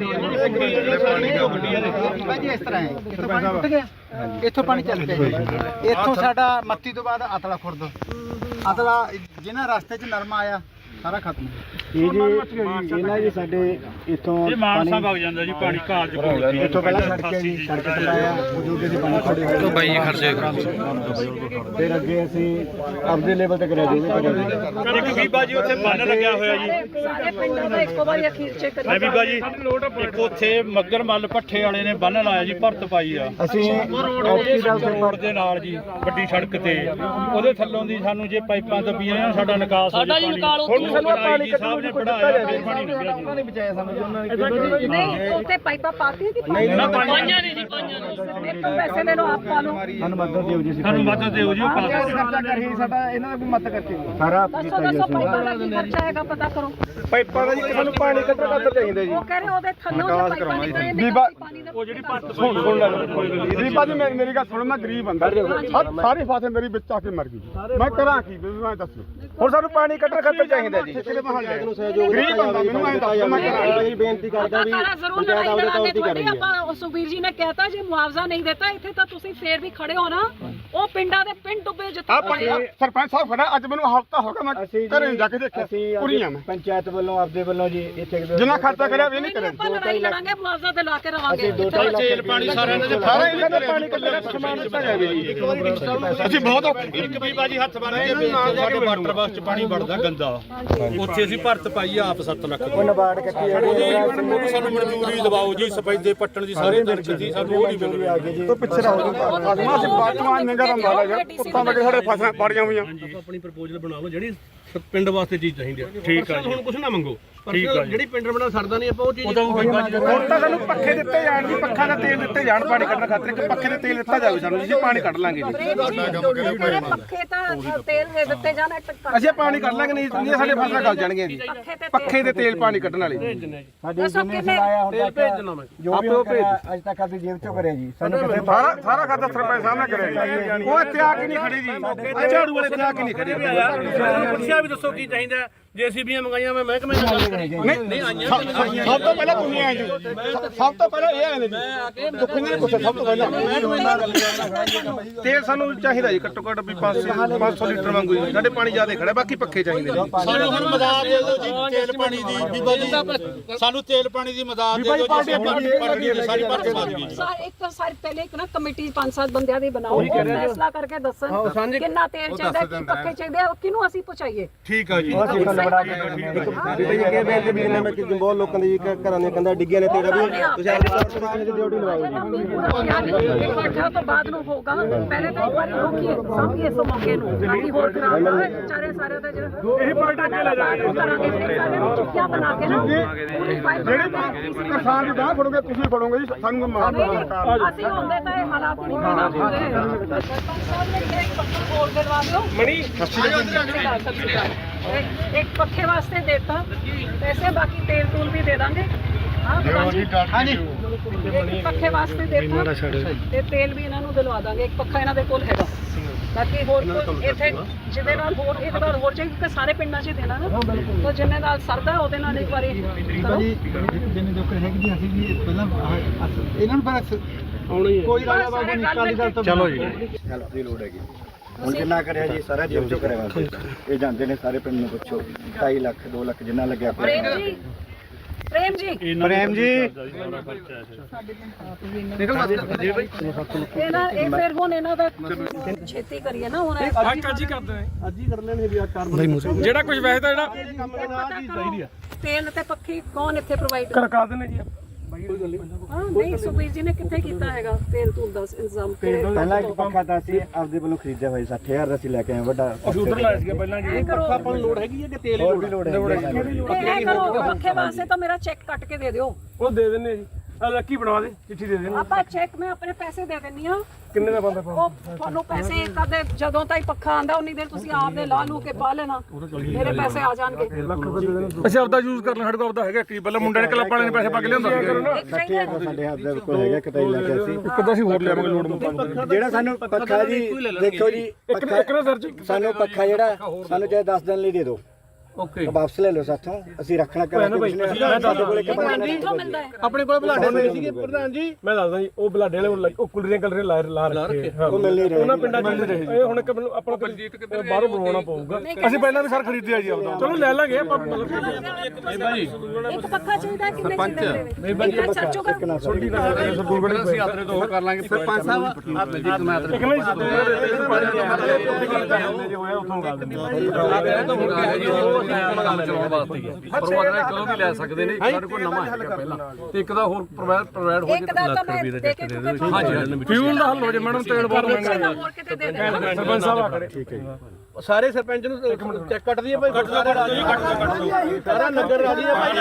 E: ਜੀ ਇਸ ਤਰ੍ਹਾਂ ਹੈ, ਇੱਥੋਂ ਪਾਣੀ ਟੁੱਟ ਗਿਆ, ਇੱਥੋਂ ਪਾਣੀ ਚੱਲ ਪਿਆ ਜੀ। ਇੱਥੋਂ ਸਾਡਾ ਮੱਤੀ ਤੋਂ ਬਾਅਦ ਅਤਲਾ ਖੁਰਦ, ਅਤਲਾ ਜਿਹਨਾਂ ਰਸਤੇ 'ਚ ਨਰਮਾ ਆਇਆ ਸਾਰਾ ਖਤਮ।
C: ਇਹ ਜੀ ਇਹਨਾਂ ਜੀ ਸਾਡੇ ਇੱਥੋਂ
A: ਇਹ ਮਾਨਸਾ ਵਗ ਜਾਂਦਾ ਜੀ ਪਾਣੀ ਘਾਟ ਚ ਪਹੁੰਚਦੀ।
C: ਇੱਥੋਂ ਪਹਿਲਾਂ ਸੜਕ ਹੈ ਜੀ, ਸੜਕ ਤੇ ਲਾਇਆ ਬਜ਼ੁਰਗ ਦੇ ਪਾਣੀ ਖੜੇ ਹੋਏ ਤੋਂ ਬਾਈ ਖਰਚੇ ਫਿਰ ਅੱਗੇ ਅਸੀਂ ਆਪਦੇ ਲੈਵਲ ਤੇ ਕਰਿਆ ਜੀ।
A: ਇੱਕ ਬੀਬਾ ਜੀ ਉੱਥੇ ਬੰਨ ਲੱਗਿਆ ਹੋਇਆ ਜੀ।
G: ਸਾਰੇ ਪਿੰਡਾਂ ਦਾ ਇੱਕੋ ਵਾਰੀ ਅਖੀਰ 'ਚ ਕਰੀ।
A: ਮੈਂ ਬੀਬਾ ਜੀ ਇੱਕ ਉੱਥੇ ਮੱਗਰ ਮੱਲ ਭੱਠੇ ਵਾਲੇ ਨੇ ਬੰਨ ਲਾਇਆ ਜੀ, ਭਰਤ ਪਾਈ ਆ
C: ਅਸੀਂ
A: ਰੋਡ ਦੇ ਨਾਲ ਜੀ, ਵੱਡੀ ਸੜਕ ਤੇ। ਉਹਦੇ ਥੱਲੋਂ ਦੀ ਸਾਨੂੰ ਜੇ ਪਾਈਪਾਂ ਦੱਬੀਆਂ ਆ, ਸਾਡਾ ਨਿਕਾਸ ਹੋ
H: ਸਾਡਾ ਜੀ ਨਿਕਾਲ ਉੱਥੇ
A: ਸਾਨੂੰ ਪਾਣੀ ਕੱਢਣ ਨੂੰ ਪੜਾਇਆ, ਫਿਰ ਪਾਣੀ ਨਿਕਲਿਆ ਜੀ।
C: ਨਹੀਂ ਬਚਾਇਆ ਸਾਨੂੰ ਜੀ ਉਹਨਾਂ ਨੇ।
G: ਨਹੀਂ ਉੱਥੇ ਪਾਈਪਾਂ ਪਾਤੀਆਂ ਕਿ
C: ਨਹੀਂ ਨਾ
H: ਪਾਈਆਂ ਨਹੀਂ ਜੀ, ਪਾਈਆਂ ਨਹੀਂ।
G: ਇੱਕ ਪੈਸੇ ਲੈ ਲਓ ਆਪ ਪਾ ਲਓ।
C: ਸਾਨੂੰ ਮਦਦ ਦਿਓ ਜੀ।
A: ਸਾਨੂੰ ਮਦਦ ਦਿਓ ਜੀ, ਉਹ ਪਾ ਦਿਓ।
B: ਖਰਚਾ ਕਰੀ ਸਾਡਾ ਇਹਨਾਂ ਦਾ ਵੀ ਮਤ ਕਰਕੇ
C: ਸਾਰਾ
G: ਦੱਸੋ ਦੱਸੋ ਪਾਈਪਾਂ ਦਾ ਕੀ ਖਰਚਾ ਹੈਗਾ ਪਤਾ ਕਰੋ।
B: ਪਾਈਪਾਂ ਦਾ ਜੀ ਸਾਨੂੰ ਪਾਣੀ ਕੱਢਣ ਖਾਤਰ ਚਾਹੀਦਾ ਜੀ।
G: ਉਹ ਕਹ ਰਹੇ ਉਹਦੇ ਥੱਲੋਂ ਜੇ ਪਾਈਪਾਂ ਨਿਕਲੇ ਨੇ
D: ਬੀਬਾ
G: ਪਾਣੀ ਦਾ।
A: ਉਹ ਜਿਹੜੀ ਭਰਤ
D: ਸੁਣ ਸੁਣ ਲੈ ਦੀਪਾ ਜੀ, ਮੇਰੀ ਮੇਰੀ ਗੱਲ ਸੁਣ, ਮੈਂ ਗਰੀਬ ਬੰਦਾ, ਸਾਰੀ ਫਸਲ ਮੇਰੀ ਵਿੱਚ ਆ ਕੇ ਮਰ ਗਈ। ਮੈਂ ਕਰਾਂ ਕੀ, ਮੈਂ ਦੱਸੋ। ਹੁਣ ਸਾਨੂੰ ਪਾਣੀ ਕੱਢਣ ਖਾਤਰ ਚਾਹੀਦਾ ਹੈ ਜੀ ਪੰਚਾਇਤ ਨੂੰ ਸਹਿਯੋਗ ਗਰੀਬ ਬੰਦਾ ਮੈਨੂੰ ਐਂ ਦੱਸ ਮੈਂ ਕਰਾਂ
F: ਜੀ ਬੇਨਤੀ ਕਰਦਾ ਵੀ
I: ਜ਼ਰੂਰ ਲੜਾਈ ਲੜਾਂਗੇ ਤੁਹਾਡੀ। ਆਪਾਂ ਸੁਖਬੀਰ ਜੀ ਨੇ ਕਹਿਤਾ ਜੇ ਮੁਆਵਜ਼ਾ ਨਹੀਂ ਦਿੱਤਾ ਇੱਥੇ ਤਾਂ ਤੁਸੀਂ ਫੇਰ ਵੀ ਖੜੇ ਹੋ ਨਾ। ਉਹ ਪਿੰਡਾਂ ਦੇ ਪਿੰਡ ਡੁੱਬੇ ਜਿੱਥੇ
D: ਸਰਪੰਚ ਸਾਹਿਬ ਖੜਾ ਅੱਜ ਮੈਨੂੰ ਹਫ਼ਤਾ ਹੋ ਗਿਆ ਮੈਂ ਘਰੇ ਜਾ ਕੇ ਦੇਖਿਆ ਪੂਰੀਆਂ ਮੈਂ
C: ਪੰਚਾਇਤ ਵੱਲੋਂ ਆਪਦੇ ਵੱਲੋਂ ਜੀ ਇੱਥੇ
D: ਜਿੰਨਾ ਖਰਚਾ ਕਰਿਆ ਵੀ ਨਹੀਂ ਕਰਿਆ।
I: ਆਪਾਂ ਲੜਾਈ ਲੜਾਂਗੇ ਮੁਆਵਜ਼ਾ ਦਿਲਾ ਕੇ ਰਵਾਂਗੇ।
A: ਤੇਲ ਪਾਣੀ ਸਾਰਿਆਂ ਨੇ
D: ਸਾਰਾ ਇਹਨਾਂ ਦਾ ਪਾਣੀ ਕੱਢਿਆ ਸਮਾਨ ਦਿੱਤਾ ਜਾਵੇ ਜੀ। ਅਸੀਂ ਬਹੁਤ
A: ਇੱਕ ਵੀ ਬਾਜੀ ਹੱਥ ਬੰਨ ਕੇ ਸਾਡੇ ਵਾਟਰ ਬਾਕਸ ਚ ਪਾਣੀ ਵੜਦਾ ਗੰਦਾ, ਉੱਥੇ ਅਸੀਂ ਭਰਤ ਪਾਈ ਆਪ ਸੱਤ ਲੱਖ
C: ਉਹ ਨਬਾਰਡ ਕੱਟੀ
A: ਉਹਦੀ ਸਾਨੂੰ ਮਨਜ਼ੂਰੀ ਦਵਾਓ ਜੀ, ਸਫੈਦੇ ਪੱਟਣ ਦੀ ਸਾਰੇ ਦਰਜ ਦੀ ਸਾਨੂੰ ਉਹ ਨਹੀਂ ਮਿਲ ਰਹੀ।
D: ਤੋਂ ਪਿੱਛੇ ਰਹੋ ਫਸਲਾਂ ਅਸੀਂ ਬਾਤਮਾਨ ਨਿਗਰ ਅੰਬਾਲਾ ਯਾਰ ਕੁੱਤਾਂ ਵਗੇ ਸਾਡੇ ਫਸਲਾਂ ਪਾੜੀਆਂ ਹੋਈਆਂ।
F: ਆਪਣੀ ਪ੍ਰਪੋਜ਼ਲ ਬਣਾ ਲਓ ਜਿਹੜੀ ਪਿੰਡ ਵਾਸਤੇ ਚੀਜ਼ ਚਾਹੀਦੀ ਹੈ।
A: ਠੀਕ ਆ ਜੀ,
F: ਹੁਣ ਕੁਝ ਨਾ ਮੰਗੋ,
A: ਠੀਕ ਆ ਜੀ।
F: ਜਿਹੜੀ ਪਿੰਡ ਬਣਾ ਸਰਦਾ ਨਹੀਂ ਆਪਾਂ ਉਹ ਚੀਜ਼
D: ਹੁਣ ਤਾਂ ਸਾਨੂੰ ਪੱਖੇ ਦਿੱਤੇ ਜਾਣ ਜੀ, ਪੱਖਾ ਦਾ ਤੇਲ ਦਿੱਤੇ ਜਾਣ ਪਾਣੀ ਕੱਢਣ ਖਾਤਰ। ਇੱਕ ਪੱਖੇ ਦੇ ਤੇਲ ਦਿੱਤਾ ਜਾਵੇ ਸਾਨੂੰ, ਜੀ ਪਾਣੀ ਕੱਢ ਲਾਂਗੇ ਜੀ।
I: ਪੱਖੇ ਤਾਂ ਤੇਲ ਦੇ ਦਿੱਤੇ ਜਾਣ।
D: ਅਸੀਂ ਪਾਣੀ ਕੱਢ ਲਾਂਗੇ, ਨਹੀਂ ਨਹੀਂ ਸਾਡੇ ਫਸਲਾਂ ਗਲ ਜਾਣਗੀਆਂ ਜੀ। ਪੱਖੇ ਦੇ ਤੇਲ ਪਾਣੀ ਕੱਢਣ ਵਾਲੇ
C: ਸਾਡੇ ਜਿੰਨੇ ਸਲਾਇਆ ਹੁਣ ਤੱਕ ਜੋ ਵੀ ਉਹ ਅੱਜ ਤੱਕ ਆਪਣੀ ਜੇਬ ਚੋਂ ਕਰਿਆ ਜੀ। ਸਾਨੂੰ ਕਿਸੇ
D: ਸਾਰਾ ਸਾਰਾ ਖਾਤਾ ਸਰਪੰਚ ਸਾਹਿਬ ਨੇ ਕਰਿਆ ਜੀ। ਉਹ ਇੱਥੇ ਆ ਕੇ ਨਹੀਂ ਖੜੇ ਜੀ, ਝਾੜੂ ਵਾਲੇ ਇੱਥੇ ਆ ਕੇ ਨਹੀਂ ਖੜੇ।
F: ਪੁੱਛਿਆ ਵੀ ਦੱਸੋ ਕੀ ਚਾਹੀਦਾ। ਜੇਸੀਬੀਆਂ ਮੰਗਾਈਆਂ ਮੈਂ ਮਹਿਕਮੇ ਨਾਲ ਗੱਲ ਕਰੀ।
D: ਨਹੀਂ ਨਹੀਂ ਸਭ ਤੋਂ ਪਹਿਲਾਂ ਤੁਸੀਂ ਆਏ ਜੀ, ਸਭ ਤੋਂ ਪਹਿਲਾਂ ਇਹ ਆਏ ਨੇ ਜੀ। ਦੁੱਖ ਨਹੀਂ ਪੁੱਛਿਆ ਸਭ ਤੋਂ ਪਹਿਲਾਂ ਤੇਲ ਸਾਨੂੰ ਚਾਹੀਦਾ ਜੀ, ਘੱਟੋ ਘੱਟ ਵੀ ਪੰਜ ਸੌ ਲੀਟਰ ਵਾਂਗੂ ਜੀ। ਸਾਡੇ ਪਾਣੀ ਜ਼ਿਆਦਾ ਖੜਾ, ਬਾਕੀ ਪੱਖੇ ਚਾਹੀਦੇ ਨੇ।
A: ਸਾਨੂੰ ਹੁਣ ਮਦਦ ਦੇ ਦਿਓ ਜੀ ਤੇਲ ਪਾਣੀ ਦੀ। ਬੀਬਾ ਜੀ ਸਾਨੂੰ ਤੇਲ ਪਾਣੀ ਦੀ ਮਦਦ ਦੇ ਦਿਓ ਜੀ, ਅਸੀਂ ਭਰ ਗਏ ਸਾਰੀ ਭਰ ਪਾ ਦਈਏ ਜੀ।
I: ਇੱਕ ਤਾਂ ਸਾਰੀ ਪਹਿਲੇ ਇੱਕ ਨਾ ਕਮੇਟੀ ਪੰਜ ਸੱਤ ਬੰਦਿਆਂ ਦੀ ਬਣਾਓ, ਉਹ ਫੈਸਲਾ ਕਰਕੇ ਦੱਸਣ ਕਿੰਨਾ ਤੇਲ ਚਾਹੀਦਾ, ਕੀ ਪੱਕੇ ਚਾਹੀਦੇ ਆ, ਕਿਹਨੂੰ ਅਸੀਂ ਪਹੁੰਚਾਈਏ।
A: ਠੀਕ ਆ ਜੀ।
C: ਬੜਾ ਇਹ ਬੇਨਤੀ ਵੀ ਨੇ ਮੈਂ ਕਿ ਬਹੁਤ ਲੋਕਾਂ ਦੇ ਘਰਾਂ ਦੀਆਂ ਕੰਧਾਂ ਡਿੱਗੀਆਂ ਨੇ। ਤੇਰਾ ਵੀ ਤੁਸੀਂ ਆਪਣੀ ਸਰਕਾਰ ਦੀ ਡਿਊਟੀ ਲਵਾਓ ਜੀ।
I: ਤੋਂ ਬਾਅਦ ਨੂੰ ਹੋਗਾ, ਪਹਿਲੇ ਤਾਂ ਇੱਕ ਵਾਰੀ ਰੋਕੀਏ ਸਾਂਭੀਏ ਇਸ ਮੌਕੇ ਨੂੰ, ਤਾਂ ਕਿ ਹੋਰ ਖਰਾਬ ਨਾ ਹੋਏ ਵਿਚਾਰੇ ਸਾਰੇ ਦਾ ਜਿਹੜਾ ਇਹ ਪਾਰਟੀ ਅੱਗੇ ਲੈ ਜਾਵਾਂਗੇ ਕਰਾਂਗੇ। ਫਿਰ ਸਾਰੇ ਨੂੰ ਚੁੱਕਿਆ ਬਣਾ ਕੇ ਨਾ ਪੂਰੀ ਫਾਈਲ
D: ਜਿਹੜੇ ਕਿਸਾਨ ਦੀ ਬਾਹ ਫੜੋਗੇ ਤੁਸੀਂ ਫੜੋਗੇ ਜੀ, ਸਾਨੂੰ ਮਾਰ ਮਾਰ
I: ਅਸੀਂ ਹੁੰਦੇ ਤਾਂ ਇਹ ਹਾਲਾਤ ਨਹੀਂ ਬਣਾ ਹੁੰਦੇ। ਸਰਪੰਚ ਸਾਹਿਬ ਨੇ ਕਿਹਾ ਇੱਕ ਪੱਖਾ ਹੋਰ ਦਿਲਵਾ ਦਿਓ ਮਣੀ। ਇੱਕ ਪੱਖੇ ਵਾਸਤੇ ਦੇਤਾ ਪੈਸੇ, ਬਾਕੀ ਤੇਲ ਤੂਲ ਵੀ ਦੇ ਦਾਂਗੇ। ਹਾਂਜੀ ਇੱਕ ਪੱਖੇ ਵਾਸਤੇ ਦੇਤਾ ਤੇ ਤੇਲ ਵੀ ਇਹਨਾਂ ਨੂੰ ਦਿਲਵਾ ਦਾਂਗੇ। ਇੱਕ ਪੱਖਾ ਇਹਨਾਂ ਦੇ ਕੋਲ ਹੈਗਾ, ਬਾਕੀ ਹੋਰ ਕੋਈ ਇੱਥੇ ਜਿਹਦੇ ਨਾਲ ਹੋਰ ਇੱਕ ਵਾਰ ਹੋਰ ਚਾਹੀਏ, ਕਿਉਂਕਿ ਸਾਰੇ ਪਿੰਡਾਂ 'ਚ ਦੇਣਾ ਨਾ, ਤਾਂ ਜਿੰਨੇ ਨਾਲ ਸਰਦਾ ਉਹਦੇ ਨਾਲ ਇੱਕ ਵਾਰੀ ਕਰੋ।
E: ਜਿੰਨੇ ਲੋਕ ਹੈਗੇ ਜੀ ਅਸੀਂ ਵੀ ਪਹਿਲਾਂ ਇਹਨਾਂ ਨੂੰ ਪਰ
F: ਆਉਣੀ
E: ਕੋਈ ਰਾਜਾ ਬਾਬੂ ਨਹੀਂ ਕਾਲੀ ਗੱਲ ਤੋਂ
A: ਚਲੋ ਜੀ।
C: ਹੈਲਪ ਦੀ ਲੋੜ ਹੈਗੀ। ਹੁਣ ਜਿੰਨਾ ਕਰਿਆ ਜੀ ਸਾਰਾ ਜੇਬ ਚੋਂ ਕਰਿਆ। ਇਹ ਜਾਂਦੇ ਨੇ ਸਾਰੇ ਪਿੰਡ ਨੂੰ ਪੁੱਛੋ, ਢਾਈ ਲੱਖ ਦੋ ਲੱਖ ਜਿੰਨਾ ਲੱਗਿਆ।
I: ਪ੍ਰੇਮ ਜੀ, ਪ੍ਰੇਮ ਜੀ,
C: ਪ੍ਰੇਮ ਜੀ
I: ਇਹਨਾਂ ਇਹ ਫਿਰ ਹੁਣ ਇਹਨਾਂ ਦਾ ਛੇਤੀ ਕਰੀਏ ਨਾ। ਹੁਣ
F: ਅੱਜ ਹੀ ਕਰਦੇ ਅੱਜ ਹੀ ਕਰ ਲੈਣੇ ਵੀ ਆ ਕਾਰਬਨ
D: ਜਿਹੜਾ ਕੁਝ ਵੈਸੇ ਤਾਂ ਜਿਹੜਾ
I: ਤੇਲ ਤੇ ਪੱਖੀ ਕੌਣ ਇੱਥੇ ਪ੍ਰੋਵਾਈਡ
D: ਕਰਕਾ ਦਿੰਦੇ ਜੀ।
I: ਹਾਂ ਨਹੀਂ ਸੁਖਬੀਰ ਜੀ ਨੇ ਕਿੱਥੇ ਕੀਤਾ ਹੈਗਾ ਤੇਲ ਤੂਲ ਦਾ ਇੰਤਜ਼ਾਮ?
C: ਪਹਿਲਾਂ ਇੱਕ ਪੱਖਾ ਤਾਂ ਅਸੀਂ ਆਪਦੇ ਵੱਲੋਂ ਖਰੀਦਿਆ ਹੋਇਆ ਸੱਠ ਹਜ਼ਾਰ ਦਾ ਅਸੀਂ ਲੈ ਕੇ ਆਏ ਵੱਡਾ।
F: ਅਸੀਂ ਉਧਰ ਲਾਇਆ ਸੀਗਾ ਪਹਿਲਾਂ ਜੀ। ਪੱਖਾ ਆਪਾਂ ਨੂੰ ਲੋੜ ਹੈਗੀ ਹੈ ਕਿ ਤੇਲ
C: ਹੋਰ ਵੀ ਲੋੜ ਹੈ।
I: ਇਹ ਕਰੋ ਪੱਖੇ ਵਾਸਤੇ ਤਾਂ ਮੇਰਾ ਚੈੱਕ ਕੱਟ ਕੇ ਦੇ ਦਿਓ।
F: ਉਹ ਦੇ ਦਿੰਨੇ ਜੀ। ਆ ਲੱਕੀ ਬਣਵਾ ਦੇ, ਚਿੱਠੀ ਦੇ ਦੇਣੀ।
I: ਆਪਾਂ ਚੈੱਕ ਮੈਂ ਆਪਣੇ ਪੈਸੇ ਦੇ ਦਿੰਨੀ ਆ।
F: ਕਿੰਨੇ ਦਾ ਬੰਦਾ
I: ਉਹ ਤੁਹਾਨੂੰ ਪੈਸੇ ਕਦੇ ਜਦੋਂ ਤਾਈ ਪੱਖਾ ਆਂਦਾ ਉਨੀ ਦੇਰ ਤੁਸੀਂ ਆਪ ਦੇ ਲਾ ਲੂ ਕੇ ਪਾ ਲੈਣਾ, ਮੇਰੇ ਪੈਸੇ ਆ ਜਾਣਗੇ।
D: ਅਸੀਂ ਆਪਦਾ ਯੂਜ਼ ਕਰ ਲੈ, ਸਾਡੇ ਕੋਲ ਆਪਦਾ ਹੈਗਾ ਕੀ ਪਹਿਲਾਂ ਮੁੰਡੇ ਨੇ ਕਲੱਬ ਵਾਲੇ ਨੇ ਪੈਸੇ ਪਾ ਕੇ ਲਿਆਂਦਾ
C: ਸੱਠ ਹਜ਼ਾਰ ਸਾਡੇ ਹੱਥ ਦੇ ਕੋਲ ਹੈਗਾ, ਕਿਤੇ ਲੈ ਕੇ ਅਸੀਂ
D: ਇੱਕ ਤਾਂ ਅਸੀਂ ਹੋਰ ਲਿਆਵਾਂਗੇ ਲੋੜ ਮੁਤਾਬਕ।
C: ਜਿਹੜਾ ਸਾਨੂੰ ਪੱਖਾ ਜੀ ਦੇਖੋ ਜੀ, ਸਾਨੂੰ ਪੱਖਾ ਜਿਹੜਾ ਸਾਨੂੰ ਚਾਹੇ ਦਸ ਦਿਨ ਲਈ ਦੇ ਦਿਓ,
F: ਓਕੇ
C: ਵਾਪਸ ਲੈ ਲਓ ਸਾਥੋਂ, ਅਸੀਂ ਰੱਖਣਾ ਕਰਾਂਗੇ। ਸਾਡੇ ਕੋਲ ਇੱਕ
I: ਕਿੱਥੋਂ ਮਿਲਦਾ ਹੈ?
F: ਆਪਣੇ ਕੋਲ ਬਲਾਡੇ ਹੋਏ ਸੀਗੇ ਪ੍ਰਧਾਨ ਜੀ। ਮੈਂ ਦੱਸਦਾ ਜੀ, ਉਹ ਬਲਾਡੇ ਵਾਲੇ ਉਹ ਕੁਲਰੀਆਂ ਕਲਰੀਆਂ ਲਾ ਲਾ ਰੱਖੇ।
C: ਉਹ ਮਿਲ ਨਹੀਂ ਰਹੇ
F: ਉਹਨਾਂ ਪਿੰਡਾਂ 'ਚ ਮਿਲ ਰਹੇ। ਇਹ ਹੁਣ ਇੱਕ ਮੈਨੂੰ ਆਪਣਾ ਬਾਹਰੋਂ ਬਣਵਾਉਣਾ ਪਊਗਾ। ਅਸੀਂ ਪਹਿਲਾਂ ਵੀ ਸਰ ਖਰੀਦਿਆ ਜੀ ਆਪਦਾ। ਚਲੋ ਲੈ ਲਾਂਗੇ ਆਪਾਂ।
I: ਇੱਕ ਪੱਖਾ ਚਾਹੀਦਾ ਕਿੰਨੇ ਚਾਹੀਦੇ ਨੇ? ਇੱਕ ਸਰਚੋ ਕਰ
H: ਅਸੀਂ ਆਤਰੇ ਤੋਂ ਉਹ ਕਰ ਲਾਂਗੇ।
E: ਸਰਪੰਚ ਸਾਹਿਬ
H: ਆਤਰੇ ਜੀ ਮੈਂ ਆਤਰੇ
D: ਇੱਕ ਨਹੀਂ
H: ਕੰਮ ਚਲਾਉਣ ਵਾਸਤੇ ਹੀ ਹੈ। ਪਰਵਾਹ ਕਦੋਂ ਵੀ ਲੈ ਸਕਦੇ ਨੇ, ਸਾਡੇ ਕੋਲ ਨਵਾਂ ਹੈਗਾ ਪਹਿਲਾਂ, ਤੇ ਇੱਕ ਦਾ ਹੋਰ ਪ੍ਰੋਵਾਈਡ ਹੋ
I: ਇੱਕ ਦਾ ਤਾਂ ਮੈਂ ਦੇ ਕੇ ਚੁੱਕੇ।
H: ਹਾਂਜੀ
D: ਫਿਊਲ ਦਾ ਹੱਲ ਹੋ ਜੇ ਮੈਡਮ, ਤੇਲ ਬਹੁਤ ਮਹਿੰਗਾ
I: ਹੋਰ ਕਿਤੇ ਦੇ ਦੇ।
D: ਸਰਪੰਚ ਸਾਹਿਬ ਆ ਖੜੇ। ਠੀਕ ਹੈ ਜੀ।
F: ਸਾਰੇ ਸਰਪੰਚ ਨੂੰ ਚੈੱਕ ਕੱਟ ਦਈਏ ਭਾਈ। ਕੱਟ ਦੋ ਸਾਰਾ ਨਗਰ ਰਾਜੀ ਹੈ ਭਾਈ।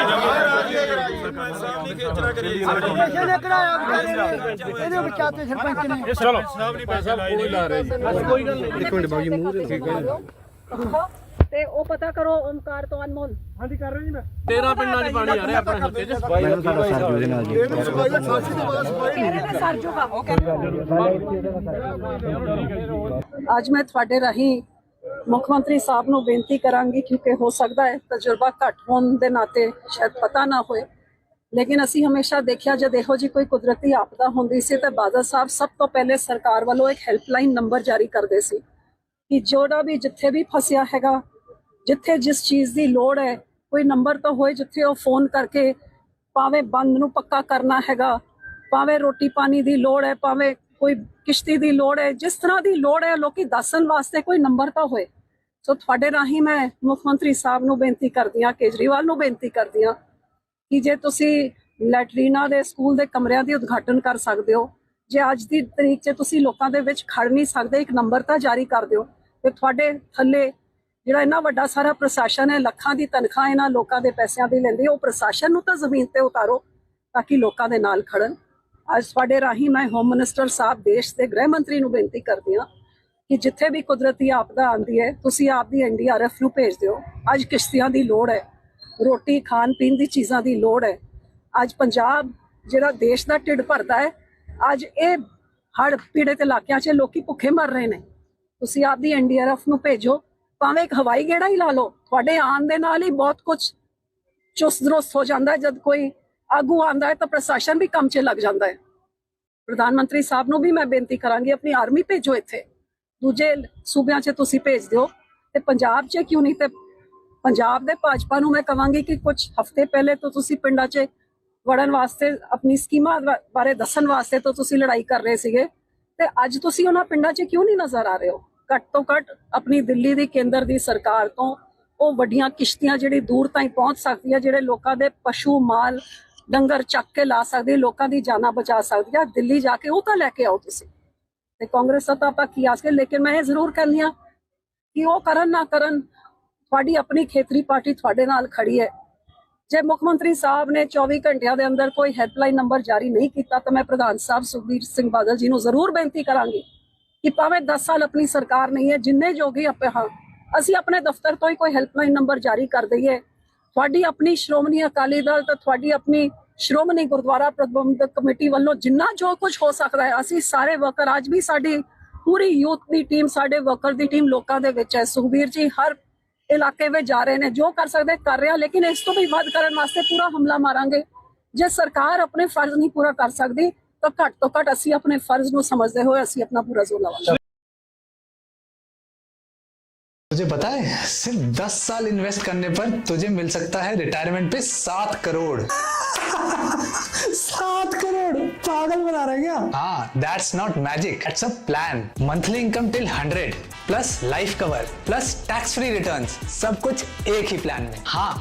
E: ਇਹਦੇ ਵਿਚਾਤੇ ਸਰਪੰਚ ਨੇ
D: ਚਲੋ
A: ਸਾਹਿਬ ਨਹੀਂ ਪੈਸੇ ਲਾਏ ਨਹੀਂ।
F: ਕੋਈ ਗੱਲ ਨਹੀਂ।
D: ਇੱਕ ਮਿੰਟ ਬਾਜੀ ਮੂੰਹ ਦੇ ਠੀਕ ਹੈ।
I: ਤੇ ਉਹ ਪਤਾ ਕਰੋ ਓਮਕਾਰ ਤੋਂ ਅਨਮੋਲ।
F: ਹਾਂਜੀ ਕਰ ਰਹੇ ਜੀ ਮੈਂ। ਤੇਰਾਂ ਪਿੰਡਾਂ 'ਚ ਪਾਣੀ ਆ ਰਿਹਾ ਆਪਣੇ ਹਲਕੇ 'ਚ।
C: ਮੈਨੂੰ ਸਾਡਾ ਸਰ ਜੂਦੇ ਨਾਲ ਜੀ।
I: ਤੇਰੇ ਤੇ ਸਰ ਜੂਗਾ ਉਹ ਕਹਿੰਦੇ।
G: ਅੱਜ ਮੈਂ ਤੁਹਾਡੇ ਰਾਹੀਂ ਮੁੱਖ ਮੰਤਰੀ ਸਾਹਿਬ ਨੂੰ ਬੇਨਤੀ ਕਰਾਂਗੀ, ਕਿਉਂਕਿ ਹੋ ਸਕਦਾ ਹੈ ਤਜਰਬਾ ਘੱਟ ਹੋਣ ਦੇ ਨਾਤੇ ਸ਼ਾਇਦ ਪਤਾ ਨਾ ਹੋਏ, ਲੇਕਿਨ ਅਸੀਂ ਹਮੇਸ਼ਾ ਦੇਖਿਆ ਜਦ ਇਹੋ ਜਿਹੀ ਕੋਈ ਕੁਦਰਤੀ ਆਪਦਾ ਹੁੰਦੀ ਸੀ ਤਾਂ ਬਾਦਲ ਸਾਹਿਬ ਸਭ ਤੋਂ ਪਹਿਲੇ ਸਰਕਾਰ ਵੱਲੋਂ ਇੱਕ ਹੈਲਪਲਾਈਨ ਨੰਬਰ ਜਾਰੀ ਕਰਦੇ ਸੀ ਕਿ ਜਿਹੜਾ ਵੀ ਜਿੱਥੇ ਵੀ ਫਸਿਆ ਹੈਗਾ, ਜਿੱਥੇ ਜਿਸ ਚੀਜ਼ ਦੀ ਲੋੜ ਹੈ, ਕੋਈ ਨੰਬਰ ਤਾਂ ਹੋਏ ਜਿੱਥੇ ਉਹ ਫੋਨ ਕਰਕੇ ਭਾਵੇਂ ਬੰਦ ਨੂੰ ਪੱਕਾ ਕਰਨਾ ਹੈਗਾ, ਭਾਵੇਂ ਰੋਟੀ ਪਾਣੀ ਦੀ ਲੋੜ ਹੈ, ਭਾਵੇਂ ਕੋਈ ਕਿਸ਼ਤੀ ਦੀ ਲੋੜ ਹੈ, ਜਿਸ ਤਰ੍ਹਾਂ ਦੀ ਲੋੜ ਹੈ ਲੋਕੀ ਦੱਸਣ ਵਾਸਤੇ ਕੋਈ ਨੰਬਰ ਤਾਂ ਹੋਏ। ਸੋ ਤੁਹਾਡੇ ਰਾਹੀਂ ਮੈਂ ਮੁੱਖ ਮੰਤਰੀ ਸਾਹਿਬ ਨੂੰ ਬੇਨਤੀ ਕਰਦੀ ਹਾਂ, ਕੇਜਰੀਵਾਲ ਨੂੰ ਬੇਨਤੀ ਕਰਦੀ ਹਾਂ ਕਿ ਜੇ ਤੁਸੀਂ ਲੈਟਰੀਨਾ ਦੇ ਸਕੂਲ ਦੇ ਕਮਰਿਆਂ ਦੀ ਉਦਘਾਟਨ ਕਰ ਸਕਦੇ ਹੋ, ਜੇ ਅੱਜ ਦੀ ਤਰੀਕ 'ਚ ਤੁਸੀਂ ਲੋਕਾਂ ਦੇ ਵਿੱਚ ਖੜ ਨਹੀਂ ਸਕਦੇ, ਇੱਕ ਨੰਬਰ ਤਾਂ ਜਾਰੀ ਕਰ ਦਿਓ ਤੇ ਤੁਹਾਡੇ ਥੱਲੇ ਜਿਹੜਾ ਇੰਨਾ ਵੱਡਾ ਸਾਰਾ ਪ੍ਰਸ਼ਾਸਨ ਹੈ, ਲੱਖਾਂ ਦੀ ਤਨਖਾਹ ਇਹਨਾਂ ਲੋਕਾਂ ਦੇ ਪੈਸਿਆਂ ਦੀ ਲੈਂਦੀ, ਉਹ ਪ੍ਰਸ਼ਾਸਨ ਨੂੰ ਤਾਂ ਜ਼ਮੀਨ ਤੇ ਉਤਾਰੋ ਤਾਂ ਕਿ ਲੋਕਾਂ ਦੇ ਨਾਲ ਖੜਨ। ਅੱਜ ਤੁਹਾਡੇ ਰਾਹੀਂ ਮੈਂ ਹੋਮ ਮਿਨਿਸਟਰ ਸਾਹਿਬ, ਦੇਸ਼ ਦੇ ਗ੍ਰਹਿ ਮੰਤਰੀ ਨੂੰ ਬੇਨਤੀ ਕਰਦੀ ਹਾਂ ਕਿ ਜਿੱਥੇ ਵੀ ਕੁਦਰਤੀ ਆਪਦਾ ਆਉਂਦੀ ਹੈ ਤੁਸੀਂ ਆਪਦੀ ਐਨ ਡੀ ਆਰ ਐਫ ਨੂੰ ਭੇਜ ਦਿਓ। ਅੱਜ ਕਿਸ਼ਤੀਆਂ ਦੀ ਲੋੜ ਹੈ, ਰੋਟੀ ਖਾਣ ਪੀਣ ਦੀ ਚੀਜ਼ਾਂ ਦੀ ਲੋੜ ਹੈ। ਅੱਜ ਪੰਜਾਬ ਜਿਹੜਾ ਦੇਸ਼ ਦਾ ਢਿੱਡ ਭਰਦਾ ਹੈ, ਅੱਜ ਇਹ ਹੜ੍ਹ ਪੀੜਤ ਇਲਾਕਿਆਂ 'ਚ ਲੋਕੀ ਭੁੱਖੇ ਮਰ ਰਹੇ ਨੇ। ਤੁਸੀਂ ਆਪਦੀ ਐਨ ਡੀ ਆਰ ਐਫ ਨੂੰ ਭੇਜੋ, ਭਾਵੇਂ ਇੱਕ ਹਵਾਈ ਗੇੜਾ ਹੀ ਲਾ ਲਓ। ਤੁਹਾਡੇ ਆਉਣ ਦੇ ਨਾਲ ਹੀ ਬਹੁਤ ਕੁਝ ਚੁਸਤ ਦਰੁਸਤ ਹੋ ਜਾਂਦਾ ਹੈ। ਜਦ ਕੋਈ ਆਗੂ ਆਉਂਦਾ ਹੈ ਤਾਂ ਪ੍ਰਸ਼ਾਸਨ ਵੀ ਕੰਮ 'ਚ ਲੱਗ ਜਾਂਦਾ ਹੈ। ਪ੍ਰਧਾਨ ਮੰਤਰੀ ਸਾਹਿਬ ਨੂੰ ਵੀ ਮੈਂ ਬੇਨਤੀ ਕਰਾਂਗੀ, ਆਪਣੀ ਆਰਮੀ ਭੇਜੋ ਇੱਥੇ, ਦੂਜੇ ਸੂਬਿਆਂ 'ਚ ਤੁਸੀਂ ਭੇਜ ਦਿਓ ਤੇ ਪੰਜਾਬ 'ਚ ਕਿਉਂ ਨਹੀਂ। ਤੇ ਪੰਜਾਬ ਦੇ ਭਾਜਪਾ ਨੂੰ ਮੈਂ ਕਹਾਂਗੀ ਕਿ ਕੁਝ ਹਫ਼ਤੇ ਪਹਿਲੇ ਤੋਂ ਤੁਸੀਂ ਪਿੰਡਾਂ 'ਚ ਵੜਨ ਵਾਸਤੇ, ਆਪਣੀ ਸਕੀਮਾਂ ਬਾਰੇ ਦੱਸਣ ਵਾਸਤੇ ਤੋਂ ਤੁਸੀਂ ਲੜਾਈ ਕਰ ਰਹੇ ਸੀਗੇ ਤੇ ਅੱਜ ਤੁਸੀਂ ਉਹਨਾਂ ਪਿੰਡਾਂ 'ਚ ਕਿਉਂ ਨਹੀਂ ਨਜ਼ਰ ਆ ਰਹੇ ਹੋ। ਘੱਟ ਤੋਂ ਘੱਟ ਆਪਣੀ ਦਿੱਲੀ ਦੀ ਕੇਂਦਰ ਦੀ ਸਰਕਾਰ ਤੋਂ ਉਹ ਵੱਡੀਆਂ ਕਿਸ਼ਤੀਆਂ ਜਿਹੜੀ ਦੂਰ ਤਾਈਂ ਪਹੁੰਚ ਸਕਦੀ ਹੈ, ਜਿਹੜੇ ਲੋਕਾਂ ਦੇ ਪਸ਼ੂ ਮਾਲ ਡੰਗਰ ਚੱਕ ਕੇ ਲਾ ਸਕਦੀ, ਲੋਕਾਂ ਦੀ ਜਾਨਾਂ ਬਚਾ ਸਕਦੀ ਹੈ, ਦਿੱਲੀ ਜਾ ਕੇ ਉਹ ਤਾਂ ਲੈ ਕੇ ਆਓ ਤੁਸੀਂ। ਤੇ ਕਾਂਗਰਸ ਤਾਂ ਆਪਾਂ ਕੀ ਆਸ ਕੇ, ਲੇਕਿਨ ਮੈਂ ਇਹ ਜ਼ਰੂਰ ਕਹਿੰਦੀ ਹਾਂ ਕਿ ਉਹ ਕਰਨ ਨਾ ਕਰਨ, ਤੁਹਾਡੀ ਆਪਣੀ ਖੇਤਰੀ ਪਾਰਟੀ ਤੁਹਾਡੇ ਨਾਲ ਖੜੀ ਹੈ। ਜੇ ਮੁੱਖ ਮੰਤਰੀ ਸਾਹਿਬ ਨੇ ਚੌਵੀ ਘੰਟਿਆਂ ਦੇ ਅੰਦਰ ਕੋਈ ਹੈਲਪਲਾਈਨ ਨੰਬਰ ਜਾਰੀ ਨਹੀਂ ਕੀਤਾ ਤਾਂ ਮੈਂ ਪ੍ਰਧਾਨ ਸਾਹਿਬ ਸੁਖਬੀਰ ਸਿੰਘ ਬਾਦਲ ਜੀ ਨੂੰ ਜ਼ਰੂਰ ਬੇਨਤੀ ਕਰਾਂਗੀ ਕਿ ਭਾਵੇਂ ਦਸ ਸਾਲ ਆਪਣੀ ਸਰਕਾਰ ਨਹੀਂ ਹੈ, ਜਿੰਨੇ ਜੋਗੀ ਆਪੇ ਹਾਂ ਅਸੀਂ ਆਪਣੇ ਦਫ਼ਤਰ ਤੋਂ ਹੀ ਕੋਈ ਹੈਲਪਲਾਈਨ ਨੰਬਰ ਜਾਰੀ ਕਰ ਦਈਏ। ਤੁਹਾਡੀ ਆਪਣੀ ਸ਼੍ਰੋਮਣੀ ਅਕਾਲੀ ਦਲ ਤੇ ਤੁਹਾਡੀ ਆਪਣੀ ਸ਼੍ਰੋਮਣੀ ਗੁਰਦੁਆਰਾ ਪ੍ਰਬੰਧਕ ਕਮੇਟੀ ਵੱਲੋਂ ਜਿੰਨਾ ਜੋ ਕੁਝ ਹੋ ਸਕਦਾ ਹੈ, ਅਸੀਂ ਸਾਰੇ ਵਰਕਰ, ਅੱਜ ਵੀ ਸਾਡੀ ਪੂਰੀ ਯੂਥ ਦੀ ਟੀਮ, ਸਾਡੇ ਵਰਕਰ ਦੀ ਟੀਮ ਲੋਕਾਂ ਦੇ ਵਿੱਚ ਹੈ। ਸੁਖਬੀਰ ਜੀ ਹਰ ਇਲਾਕੇ ਵਿੱਚ ਜਾ ਰਹੇ ਨੇ, ਜੋ ਕਰ ਸਕਦੇ ਕਰ ਰਹੇ ਆ, ਲੇਕਿਨ ਇਸ ਤੋਂ ਵੀ ਵੱਧ ਕਰਨ ਵਾਸਤੇ ਪੂਰਾ ਹਮਲਾ ਮਾਰਾਂਗੇ। ਜੇ ਸਰਕਾਰ ਆਪਣੇ ਫਰਜ਼ ਨਹੀਂ ਪੂਰਾ ਕਰ ਸਕਦੀ ਤਾਂ ਘੱਟ ਤੋਂ ਘੱਟ ਅਸੀਂ ਆਪਣੇ ਫਰਜ਼ ਨੂੰ ਸਮਝਦੇ ਹੋਏ ਅਸੀਂ ਆਪਣਾ ਪੂਰਾ ਜ਼ੋਰ ਲਾਵਾਂਗੇ।
J: तुझे पता है सिर्फ दस साल इन्वेस्ट करने पर तुझे मिल सकता है रिटायरमेंट पे सात करोड़ सात करोड़ पागल बना रहे क्या? हाँ, that's not magic, it's a plan. Monthly income till hundred plus life cover plus tax free returns, सब कुछ एक ही प्लान में। हाँ,